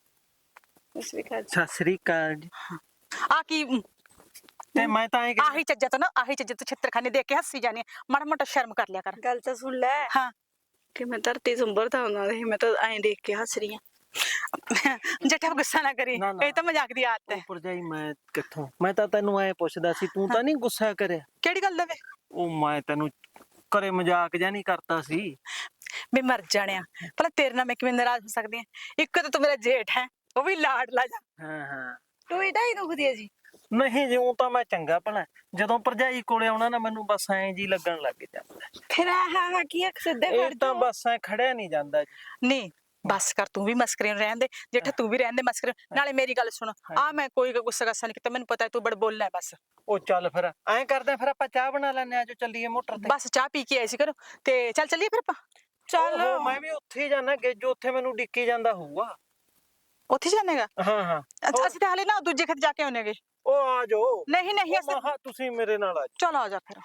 [SPEAKER 2] ਸਤਿ ਸ੍ਰੀ ਅਕਾਲ ਜੀ।
[SPEAKER 1] ਆ ਕੀ
[SPEAKER 2] ਤੇ ਮੈਂ ਤਾਂ
[SPEAKER 1] ਆਹੀ ਚੱਜਾ ਤੋਂ ਨਾ, ਆਹੀ ਚੱਜਾ ਤੋਂ ਛਿੱਤਰਖਾਨੇ ਦੇਖ ਕੇ ਹੱਸੀ ਜਾਨੀ। ਮਾੜਾ ਮੋਟਾ ਸ਼ਰਮ ਕਰ ਲਿਆ ਕਰ।
[SPEAKER 3] ਗੱਲ ਤਾਂ ਸੁਣ ਲੈ।
[SPEAKER 1] ਹਾਂ
[SPEAKER 3] ਕਿ ਮੈਂ ਧਰਤੀ ਸੰਭਰਦਾ ਹੁੰਦਾ ਸੀ, ਮੈਂ ਤਾਂ ਐਂ ਦੇਖ ਕੇ ਹੱਸ ਰਹੀ ਆ।
[SPEAKER 1] ਜੱਟਾ ਗੁੱਸਾ ਨਾ ਕਰੀ, ਇਹ ਤਾਂ ਮਜ਼ਾਕ ਦੀ ਆਦਤ ਹੈ।
[SPEAKER 2] ਭਰਜਾਈ ਮੈਂ ਕਿੱਥੋਂ, ਮੈਂ ਤਾਂ ਤੈਨੂੰ ਐ ਪੁੱਛਦਾ ਸੀ, ਤੂੰ ਤਾਂ ਨਹੀਂ ਗੁੱਸਾ ਕਰਿਆ?
[SPEAKER 1] ਕਿਹੜੀ ਗੱਲ ਦਾ ਵੇ?
[SPEAKER 2] ਉਹ ਮੈਂ ਤੈਨੂੰ ਘਰੇ ਮਜ਼ਾਕ ਜਾਂ ਨਹੀਂ ਕਰਤਾ ਸੀ।
[SPEAKER 1] ਮੈਂ ਮਰ ਜਾਣਿਆ ਭਲਾ ਤੇਰੇ ਨਾਲ ਮੈਂ ਕਿਵੇਂ ਨਾਰਾਜ਼ ਹੋ ਸਕਦੀ ਹਾਂ? ਇੱਕ ਤਾਂ ਤੂੰ ਮੇਰਾ ਜੇਠ ਹੈ, ਉਹ ਵੀ ਲਾਡਲਾ ਜਾ।
[SPEAKER 2] ਹਾਂ
[SPEAKER 3] ਟੋਈ ਢਾਈ ਦੁਖਦੀ ਹੈ ਜੀ।
[SPEAKER 2] ਨਹੀਂ ਜਿਉਂ ਤਾਂ ਮੈਂ ਚੰਗਾ ਭਲਾ, ਜਦੋਂ ਭਰਜਾਈ ਕੋਲੇ ਆਉਣਾ ਨਾ ਮੈਨੂੰ ਬਸ ਐਂ ਜੀ ਲੱਗਣ ਲੱਗ ਜਾਂਦਾ।
[SPEAKER 3] ਫਿਰ ਆਹ ਕੀ ਇੱਕ ਸਿੱਧੇ
[SPEAKER 2] ਇਹ ਤਾਂ ਬਸ ਐ ਖੜਿਆ ਨਹੀਂ ਜਾਂਦਾ ਜੀ।
[SPEAKER 1] ਨਹੀਂ ਬਸ ਕਰ, ਤੂੰ ਵੀ ਮਸਕਰੇ ਨੂੰ ਰਹਿਣ ਦੇ ਜੇਠਾ, ਤੂੰ ਵੀ ਰਹਿਣ ਦੇ ਮਸਕਰੇ। ਨਾਲੇ ਮੇਰੀ ਗੱਲ ਸੁਣ, ਆ ਮੈਂ ਕੋਈ ਗੁੱਸਾ ਗੱਸਾ ਨਹੀਂ ਕੀਤਾ, ਮੈਨੂੰ ਪਤਾ ਤੂੰ ਬੜ ਬੋਲਣਾ ਹੈ ਬਸ।
[SPEAKER 2] ਉਹ ਚੱਲ ਫਿਰ ਐਂ ਕਰਦੇ ਫਿਰ ਆਪਾਂ ਚਾਹ ਬਣਾ ਲੈਣੇ ਆ, ਜੋ ਚੱਲੀਏ ਮੋਟਰ ਤੇ।
[SPEAKER 1] ਬਸ ਚਾਹ ਪੀ ਕੇ ਆਏ ਸੀ ਘਰੋਂ, ਤੇ ਚੱਲ ਚੱਲੀਏ ਫਿਰ ਆਪਾਂ।
[SPEAKER 2] ਚੱਲ ਮੈਂ ਵੀ ਉੱਥੇ ਹੀ ਜਾਣਾ, ਗੇਜੋ ਉੱਥੇ ਮੈਨੂੰ ਡਿੱਕੀ ਜਾਂਦਾ ਹੋਊਗਾ।
[SPEAKER 1] ਉੱਥੇ ਜਾਣੇਗਾ?
[SPEAKER 2] ਹਾਂ
[SPEAKER 1] ਅਸੀਂ ਤਾਂ ਹਾਲੇ ਨਾ ਦੂਜੇ ਖੇਤ ਜਾ ਕੇ ਆਉਣੇਗੇ।
[SPEAKER 2] ਉਹ ਆ ਜਾਓ।
[SPEAKER 1] ਨਹੀਂ ਅਸੀਂ
[SPEAKER 2] ਤੁਸੀਂ ਮੇਰੇ ਨਾਲ ਆ ਜਾਓ।
[SPEAKER 1] ਚਲ ਆ ਜਾ ਫਿਰ।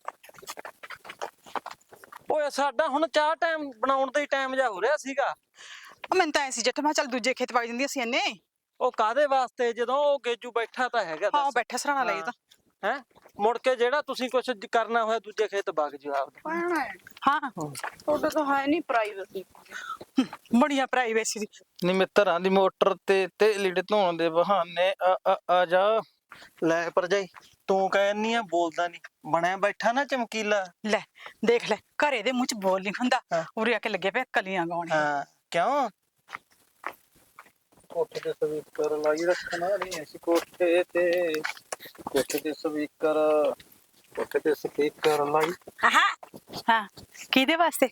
[SPEAKER 2] ਓਏ ਸਾਡਾ ਹੁਣ ਚਾਹ ਟਾਈਮ ਬਣਾਉਣ ਦਾ ਹੀ ਟਾਈਮ ਜਾ ਹੋ ਰਿਹਾ ਸੀਗਾ।
[SPEAKER 1] ਮੈਨੂੰ ਤਾਂ ਐ ਸੀ ਜੱਟ, ਮੈਂ ਚੱਲ ਦੂਜੇ ਖੇਤ ਵਗ ਜਾਂਦੀ ਅਸੀਂ ਇੰਨੇ।
[SPEAKER 2] ਉਹ ਕਾਦੇ ਵਾਸਤੇ, ਜਦੋਂ ਉਹ ਗੇਜੂ ਬੈਠਾ ਤਾਂ ਹੈਗਾ।
[SPEAKER 1] ਹਾਂ ਬੈਠਾ ਸਰਾਣਾ ਲਈ ਤਾਂ
[SPEAKER 2] ਹੈ ਮੁੜ ਕੇ ਜਿਹੜਾ ਤੁਸੀਂ ਕੁਝ ਕਰਨਾ ਹੋਇਆ ਦੂਜੇ ਖੇਤ ਵਗ ਜਿਓ ਆਪਦੇ।
[SPEAKER 1] ਹਾਂ
[SPEAKER 3] ਤੁਹਾਡਾ ਤਾਂ ਹੈ ਨਹੀਂ ਪ੍ਰਾਈਵੇਸੀ।
[SPEAKER 1] ਬੜੀਆਂ ਪ੍ਰਾਈਵੇਸੀ ਦੀ।
[SPEAKER 6] ਨੀ ਮਿੱਤਰਾਂ ਦੀ ਮੋਟਰ ਤੇ ਲੀੜੇ ਧੋਣ ਦੇ ਬਹਾਨੇ ਆ ਜਾ।
[SPEAKER 2] ਲੈ ਭਰਜਾਈ ਤੂੰ ਕਹਿੰਨੀ ਆ ਬੋਲਦਾ ਨਹੀਂ, ਬਣਿਆ ਬੈਠਾ ਨਾ ਚਮਕੀਲਾ।
[SPEAKER 1] ਲੈ ਦੇਖ ਲੈ, ਘਰੇ ਦੇ ਮੂੰਹ ਚ ਬੋਲ ਨਹੀਂ ਹੁੰਦਾ,
[SPEAKER 2] ਹਾਂ।
[SPEAKER 1] ਉਰੇ ਆ ਕੇ ਲੱਗੇ ਪਿਆ ਕਲੀਆਂ ਗਾਉਣੇ।
[SPEAKER 2] ਹਾਂ ਕਿਉਂ?
[SPEAKER 6] ਕੋਠੇ ਤੇ ਸਪੀਕਰ ਲਾਈ ਰੱਖਣਾ ਨਹੀਂ ਅਸੀਂ ਕੋਠੇ ਤੇ ਸਪੀਕਰ ਲਾਈ।
[SPEAKER 1] ਹਾਂ ਕਿਹਦੇ ਵਾਸਤੇ?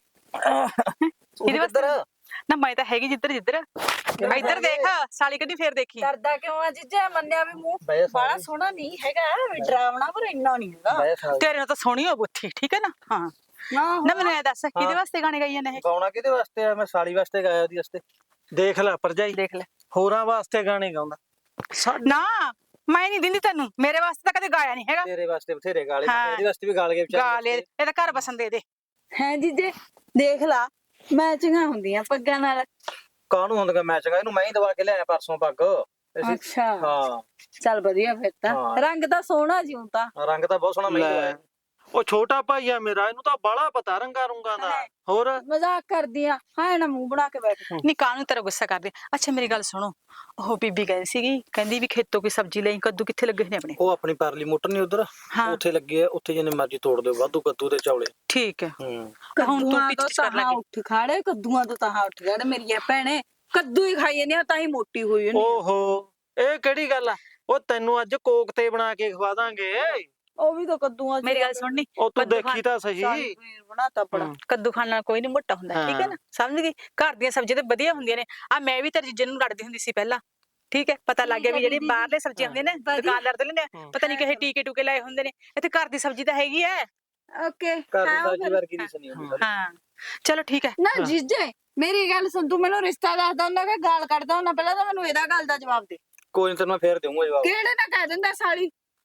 [SPEAKER 1] ਕਿਹਦੇ ਵਾਸਤੇ? ਨਾ ਮੈਂ ਤਾਂ ਹੈਗੀ ਜਿੱਧਰ ਇੱਧਰ ਦੇਖ, ਸਾਲੀ ਕਦੀ ਫੇਰ ਦੇਖੀ।
[SPEAKER 3] ਡਰਦਾ ਕਿਉਂ ਆ ਜੀਜਾ? ਮੰਨਿਆ ਵੀ ਮੂੰਹ
[SPEAKER 6] ਬਹਿ ਜਾ
[SPEAKER 3] ਬੜਾ ਸੋਹਣਾ ਨਹੀਂ ਹੈਗਾ, ਵੀ ਡਰਾਵਣਾ ਪਰ ਇੰਨਾ ਨਹੀਂ ਹੈਗਾ।
[SPEAKER 1] ਤੇਰੇ ਨਾਲ ਤਾਂ ਸੋਹਣੀ ਹੋ ਬੁੱਥੀ, ਠੀਕ ਹੈ ਨਾ? ਹਾਂ ਨਾ ਮੈਨੂੰ ਇਹ ਦੱਸ ਕਿਹਦੇ ਵਾਸਤੇ ਗਾਣੇ ਗਾਈ ਜਾਂਦੇ ਇਹ?
[SPEAKER 6] ਗਾਉਣਾ ਕਿਹਦੇ ਵਾਸਤੇ ਆ? ਮੈਂ ਸਾਲੀ ਵਾਸਤੇ ਗਾਇਆ ਉਹਦੀ ਵਾਸਤੇ।
[SPEAKER 2] ਦੇਖ ਲੈ ਭਰਜਾਈ,
[SPEAKER 1] ਦੇਖ ਲੈ।
[SPEAKER 2] ਹੋਰਾਂ ਵਾਸਤੇ ਗਾਣੇ ਗਾਉਂਦਾ।
[SPEAKER 1] ਨਾ ਮੈਂ ਨਹੀਂ ਦਿੰਦੀ ਤੈਨੂੰ, ਮੇਰੇ ਵਾਸਤੇ ਤਾਂ ਕਦੇ ਗਾਇਆ ਨਹੀਂ ਹੈਗਾ।
[SPEAKER 6] ਤੇਰੇ ਵਾਸਤੇ ਬਥੇਰੇ ਗਾਲੇ,
[SPEAKER 1] ਹਾਂ।
[SPEAKER 6] ਇਹਦੇ ਵਾਸਤੇ ਵੀ ਗਾਲ ਗਏ
[SPEAKER 1] ਗਾ ਲੈ, ਇਹ ਤਾਂ ਘਰ ਬਸਣ ਦੇ।
[SPEAKER 3] ਹੈ ਜੀਜੇ ਦੇਖ ਲਾ, ਮੈਚਿੰਗਾਂ ਹੁੰਦੀਆਂ ਪੱਗਾਂ ਨਾਲ।
[SPEAKER 6] ਕਾਹਨੂੰ ਹੁੰਦਾ ਮੈਚਿੰਗ? ਇਹਨੂੰ ਮੈਂ ਹੀ ਦਵਾ ਕੇ ਲਿਆਇਆ ਪਰਸੋਂ ਪੱਗ।
[SPEAKER 3] ਅੱਛਾ
[SPEAKER 6] ਹਾਂ
[SPEAKER 3] ਚੱਲ ਵਧੀਆ ਫਿਰ ਤਾਂ।
[SPEAKER 6] ਹਾਂ।
[SPEAKER 3] ਰੰਗ ਤਾਂ ਸੋਹਣਾ ਜਿਉਂ ਤਾਂ।
[SPEAKER 6] ਰੰਗ ਤਾਂ ਬਹੁਤ ਸੋਹਣਾ ਮੈਂ ਹੀ
[SPEAKER 2] ਲੈ,
[SPEAKER 6] ਦਵਾਇਆ।
[SPEAKER 2] ਉਹ ਛੋਟਾ ਭਾਈ ਆ ਮੇਰਾ, ਇਹਨੂੰ ਤਾਂ ਬਾਹਲਾ ਪਤਾ ਰੰਗਾ ਰੁੰਗਾ ਦਾ। ਹੋਰ
[SPEAKER 3] ਮਜ਼ਾਕ ਕਰਦੀ ਆ, ਹਾਂ ਨਾ ਮੂੰਹ ਬਣਾ ਕੇ ਬੈਠ।
[SPEAKER 1] ਨਹੀਂ ਕਾਹਨੂੰ ਤੇਰਾ ਗੁੱਸਾ ਕਰਦੇ? ਅੱਛਾ ਮੇਰੀ ਗੱਲ ਸੁਣੋ, ਉਹ ਬੀਬੀ ਗਈ ਸੀਗੀ, ਕਹਿੰਦੀ ਵੀ ਖੇਤੋਂ ਕੋਈ ਸਬਜ਼ੀ ਲਈ, ਕੱਦੂ ਕਿੱਥੇ ਲੱਗੇ ਨੇ ਆਪਣੇ?
[SPEAKER 6] ਉਹ ਆਪਣੀ ਪਰਲੀ ਮੋਟਰ ਨਹੀਂ ਉਧਰ,
[SPEAKER 1] ਹਾਂ।
[SPEAKER 6] ਉੱਥੇ ਲੱਗੇ ਆ, ਉੱਥੇ ਜਿੰਨੇ ਮਰਜ਼ੀ ਤੋੜ ਦਿਓ, ਵਾਧੂ ਕੱਦੂ ਤੇ ਚੌਲੇ।
[SPEAKER 1] ਠੀਕ ਹੈ।
[SPEAKER 6] ਹੂੰ
[SPEAKER 1] ਹੁਣ ਤੂੰ
[SPEAKER 3] ਕੱਦੂਆਂ
[SPEAKER 1] ਪਿੱਛੇ
[SPEAKER 3] ਤੋਂ
[SPEAKER 1] ਕਰ
[SPEAKER 3] ਤਾਂ
[SPEAKER 1] ਲੱਗੀ।
[SPEAKER 3] ਉੱਠ ਖਾੜੇ, ਕੱਦੂਆਂ ਤੋਂ ਤਾਂ ਉੱਠ ਖਾੜੇ। ਮੇਰੀ ਭੈਣੇ ਕੱਦੂ ਹੀ ਖਾਈ ਜਾਂਦੀ ਆ, ਤਾਂ ਹੀ ਮੋਟੀ ਹੋਈ ਜਾਂਦੀ ਆ।
[SPEAKER 2] ਓਹੋ, ਇਹ ਕਿਹੜੀ ਗੱਲ ਆ? ਉਹ ਤੈਨੂੰ ਅੱਜ ਕੋਕ ਤੇ ਬਣਾ ਕੇ ਖਵਾ ਦਾਂਗੇ।
[SPEAKER 3] ਉਹ ਵੀ ਤਾਂ ਕੱਦੂਆਂ ਚ
[SPEAKER 1] ਮੇਰੀ ਗੱਲ ਸੁਣਨੀ,
[SPEAKER 2] ਉਹ ਤੂੰ
[SPEAKER 1] ਕੱਦੂ
[SPEAKER 2] ਦੇਖੀ ਤਾਂ ਸਹੀ।
[SPEAKER 3] ਸ਼ਾਹੀ ਪਨੀਰ ਬਣਾਤਾ ਬੜਾ।
[SPEAKER 1] ਕੱਦੂ ਖਾਣ ਨਾਲ ਕੋਈ ਨਹੀਂ ਮੋਟਾ ਹੁੰਦਾ, ਠੀਕ ਹੈ ਨਾ? ਸਮਝ ਗਈ? ਘਰ ਦੀਆਂ ਸਬਜ਼ੀਆਂ ਤੇ ਵਧੀਆ ਹੁੰਦੀਆਂ ਨੇ। ਆ ਮੈਂ ਵੀ ਤੇਰੇ ਜੀਜੇ ਨੂੰ ਲੜਦੀ ਹੁੰਦੀ ਸੀ ਪਹਿਲਾਂ, ਠੀਕ ਹੈ? ਪਤਾ ਲੱਗ ਗਿਆ ਵੀ ਜਿਹੜੀ ਬਾਹਰਲੇ ਸਬਜ਼ੀਆਂ ਹੁੰਦੀਆਂ ਨੇ ਦੁਕਾਨਦਾਰ ਦੇ ਲੈਂਦੇ ਆ, ਪਤਾ ਨਹੀਂ ਕਿਹੇ ਟੀਕੇ ਟੂਕੇ ਲਾਏ ਹੁੰਦੇ ਨੇ। ਇੱਥੇ ਘਰ ਦੀ ਸਬਜ਼ੀ ਤਾਂ ਹੈਗੀ ਹੈ।
[SPEAKER 3] ਓਕੇ
[SPEAKER 6] ਘਰ ਦੀ ਸਬਜ਼ੀ ਵਰਗੀ ਨਹੀਂ ਸੁਣੀ ਹੁੰਦੀ ਸਾਰੀ।
[SPEAKER 1] ਹਾਂ ਚਲੋ ਠੀਕ ਹੈ।
[SPEAKER 3] ਨਾ ਜੀਜੇ ਮੇਰੀ ਗੱਲ ਸੁਣ, ਤੂੰ ਮੈਨੂੰ ਰਿਸ਼ਤਾ ਦੱਸਦਾ ਹੁੰਦਾ ਕਿ ਗਾਲ ਕੱਢਦਾ ਹੁੰਦਾ? ਪਹਿਲਾਂ ਤਾਂ ਮੈਨੂੰ ਇਹਦਾ ਗੱਲ ਦਾ ਜਵਾਬ ਦੇ।
[SPEAKER 6] ਕੋਈ ਨੀ ਤੈਨੂੰ ਮੈਂ ਫੇਰ ਦੇਵਾਂਗਾ ਜਵਾਬ।
[SPEAKER 3] ਕਿਹੜੇ ਨਾ ਕਹਿ ਦਿੰਦਾ ਸਾਲੀ?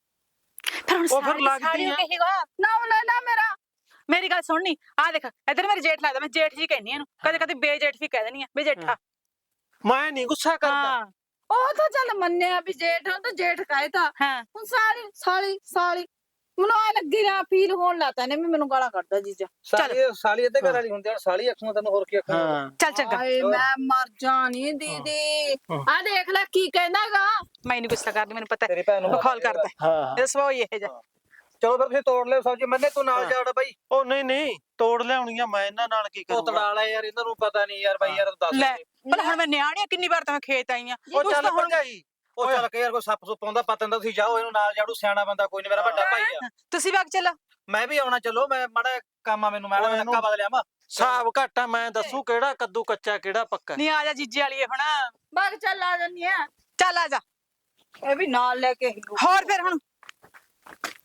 [SPEAKER 1] ਫਿਰ ਹੁਣ
[SPEAKER 2] ਉਹ ਫਿਰ ਲੱਗਦੀ
[SPEAKER 1] ਸਾਰੀ
[SPEAKER 2] ਆ।
[SPEAKER 1] ਕਹੇਗਾ।
[SPEAKER 3] ਨਾ ਉਹ ਲੈ ਲਾ ਮੇਰਾ।
[SPEAKER 1] ਮੇਰੀ ਗੱਲ ਸੁਣਨੀ, ਆ ਦੇਖ ਇੱਧਰ ਮੇਰੇ ਜੇਠ ਲੱਗਦਾ, ਮੈਂ ਜੇਠ ਜੀ ਕਹਿੰਨੀ ਇਹਨੂੰ, ਕਦੇ ਕਦੇ ਬੇਜੇਠ ਵੀ ਕਹਿ ਦੇਣੀ ਆ, ਬੇਜੇਠਾ।
[SPEAKER 2] ਮੈਂ ਨਹੀਂ ਗੁੱਸਾ ਕਰਦਾ।
[SPEAKER 1] ਹਾਂ
[SPEAKER 3] ਉਹ ਤਾਂ ਚੱਲ ਮੰਨਿਆ ਵੀ ਜੇਠ ਆ, ਤਾਂ ਜੇਠ ਕਾਇਦਾ।
[SPEAKER 1] ਹਾਂ
[SPEAKER 3] ਹੁਣ ਸਾਲੀ ਸਾਲੀ ਸਾਲੀ ਮੈਨੂੰ ਆ ਲੱਗੀ ਨਾ ਫੀਲ ਹੋਣ ਲੱਗਾ ਨੇ ਵੀ ਮੈਨੂੰ ਗਾਲਾਂ ਕੱਢਦਾ ਜੀਜਾ।
[SPEAKER 6] ਸਾਲੀ ਅੱਧੇ ਘਰ ਵਾਲੀ ਹੁੰਦੀ ਆ, ਸਾਲੀ ਆਖੂਗਾ ਤੈਨੂੰ, ਹੋਰ ਕੀ ਆਖੂਗਾ?
[SPEAKER 2] ਹਾਂ
[SPEAKER 1] ਚੱਲ ਚੰਗਾ,
[SPEAKER 3] ਹਾਏ ਮੈਂ ਮਰ ਜਾਣੀ ਦੀਦੀ। ਆ ਦੇਖ ਲੈ ਕੀ ਕਹਿੰਦਾਗਾ।
[SPEAKER 1] ਮੈਂ ਨਹੀਂ ਗੁੱਸਾ ਕਰਦੀ, ਮੈਨੂੰ ਪਤਾ
[SPEAKER 6] ਤੇਰੀ ਭੈਣ ਨੂੰ
[SPEAKER 1] ਬਖੌਲ ਕਰਦਾ।
[SPEAKER 2] ਹਾਂ।
[SPEAKER 1] ਇਹਦਾ ਸੁਭਾਅ ਹੀ ਇਹ ਜਿਹਾ।
[SPEAKER 6] ਚਲੋ ਫਿਰ ਤੁਸੀਂ ਤੋੜ ਲਿਓ ਸਬਜ਼ੀ, ਮੰਨੇ ਤੂੰ ਨਾਲ ਜਾੜ ਬਾਈ।
[SPEAKER 2] ਉਹ ਨਹੀਂ ਨਹੀਂ, ਤੋੜ ਲਿਆਉਣੀਆਂ ਮੈਂ, ਇਹਨਾਂ ਨਾਲ ਕੀ
[SPEAKER 6] ਉਹ
[SPEAKER 2] ਕਰੂੰਗਾ?
[SPEAKER 6] ਤੜਾ ਲੈ ਯਾਰ, ਇਹਨਾਂ ਨੂੰ ਪਤਾ ਨਹੀਂ ਯਾਰ ਬਾਈ, ਯਾਰ ਦੱਸ
[SPEAKER 1] ਲੈ
[SPEAKER 6] ਦੇ।
[SPEAKER 1] ਪਰ ਹੁਣ ਮੈਂ ਨਿਆਣੀ ਆ, ਕਿੰਨੀ ਵਾਰ ਤਾਂ ਮੈਂ ਖੇਤ ਆਈ ਆ।
[SPEAKER 2] ਉਹ ਚੱਲ ਭਰਜਾਈ,
[SPEAKER 6] ਉਹ ਚੱਲ ਕੇ ਯਾਰ ਕੋਈ ਸੱਪ ਸੁੱਪ ਆਉਂਦਾ ਪਤਾ ਨਹੀਂ, ਤੁਸੀਂ ਜਾਓ, ਇਹਨੂੰ ਨਾਲ ਜਾੜੂ, ਸਿਆਣਾ ਬੰਦਾ ਕੋਈ ਨਹੀਂ, ਮੇਰਾ ਵੱਡਾ ਭਾਈ ਆ।
[SPEAKER 1] ਤੁਸੀਂ ਵਗ ਚੱਲੋ।
[SPEAKER 6] ਮੈਂ ਵੀ ਆਉਣਾ, ਚਲੋ ਮੈਂ ਮਾੜਾ ਕੰਮ ਆ ਮੈਨੂੰ, ਮੈਂ
[SPEAKER 2] ਓਏ
[SPEAKER 6] ਨੱਕਾ ਬਦਲ ਲਿਆਵਾਂ।
[SPEAKER 2] ਹਿਸਾਬ ਘਾਟਾ ਮੈਂ ਦੱਸੂ ਕਿਹੜਾ ਕੱਦੂ ਕੱਚਾ ਕਿਹੜਾ ਪੱਕਾ।
[SPEAKER 1] ਨਹੀਂ ਆ ਜਾ ਜੀਜੇ ਵਾਲੀਏ ਹੁਣ,
[SPEAKER 3] ਬਾਗ ਚੱਲ ਆ ਜੰਨੀ ਆ।
[SPEAKER 1] ਚੱਲ ਆ ਜਾ।
[SPEAKER 3] ਇਹ ਵੀ ਨਾਲ ਲੈ ਕੇ
[SPEAKER 1] ਹੋਰ ਫਿਰ ਹੁਣ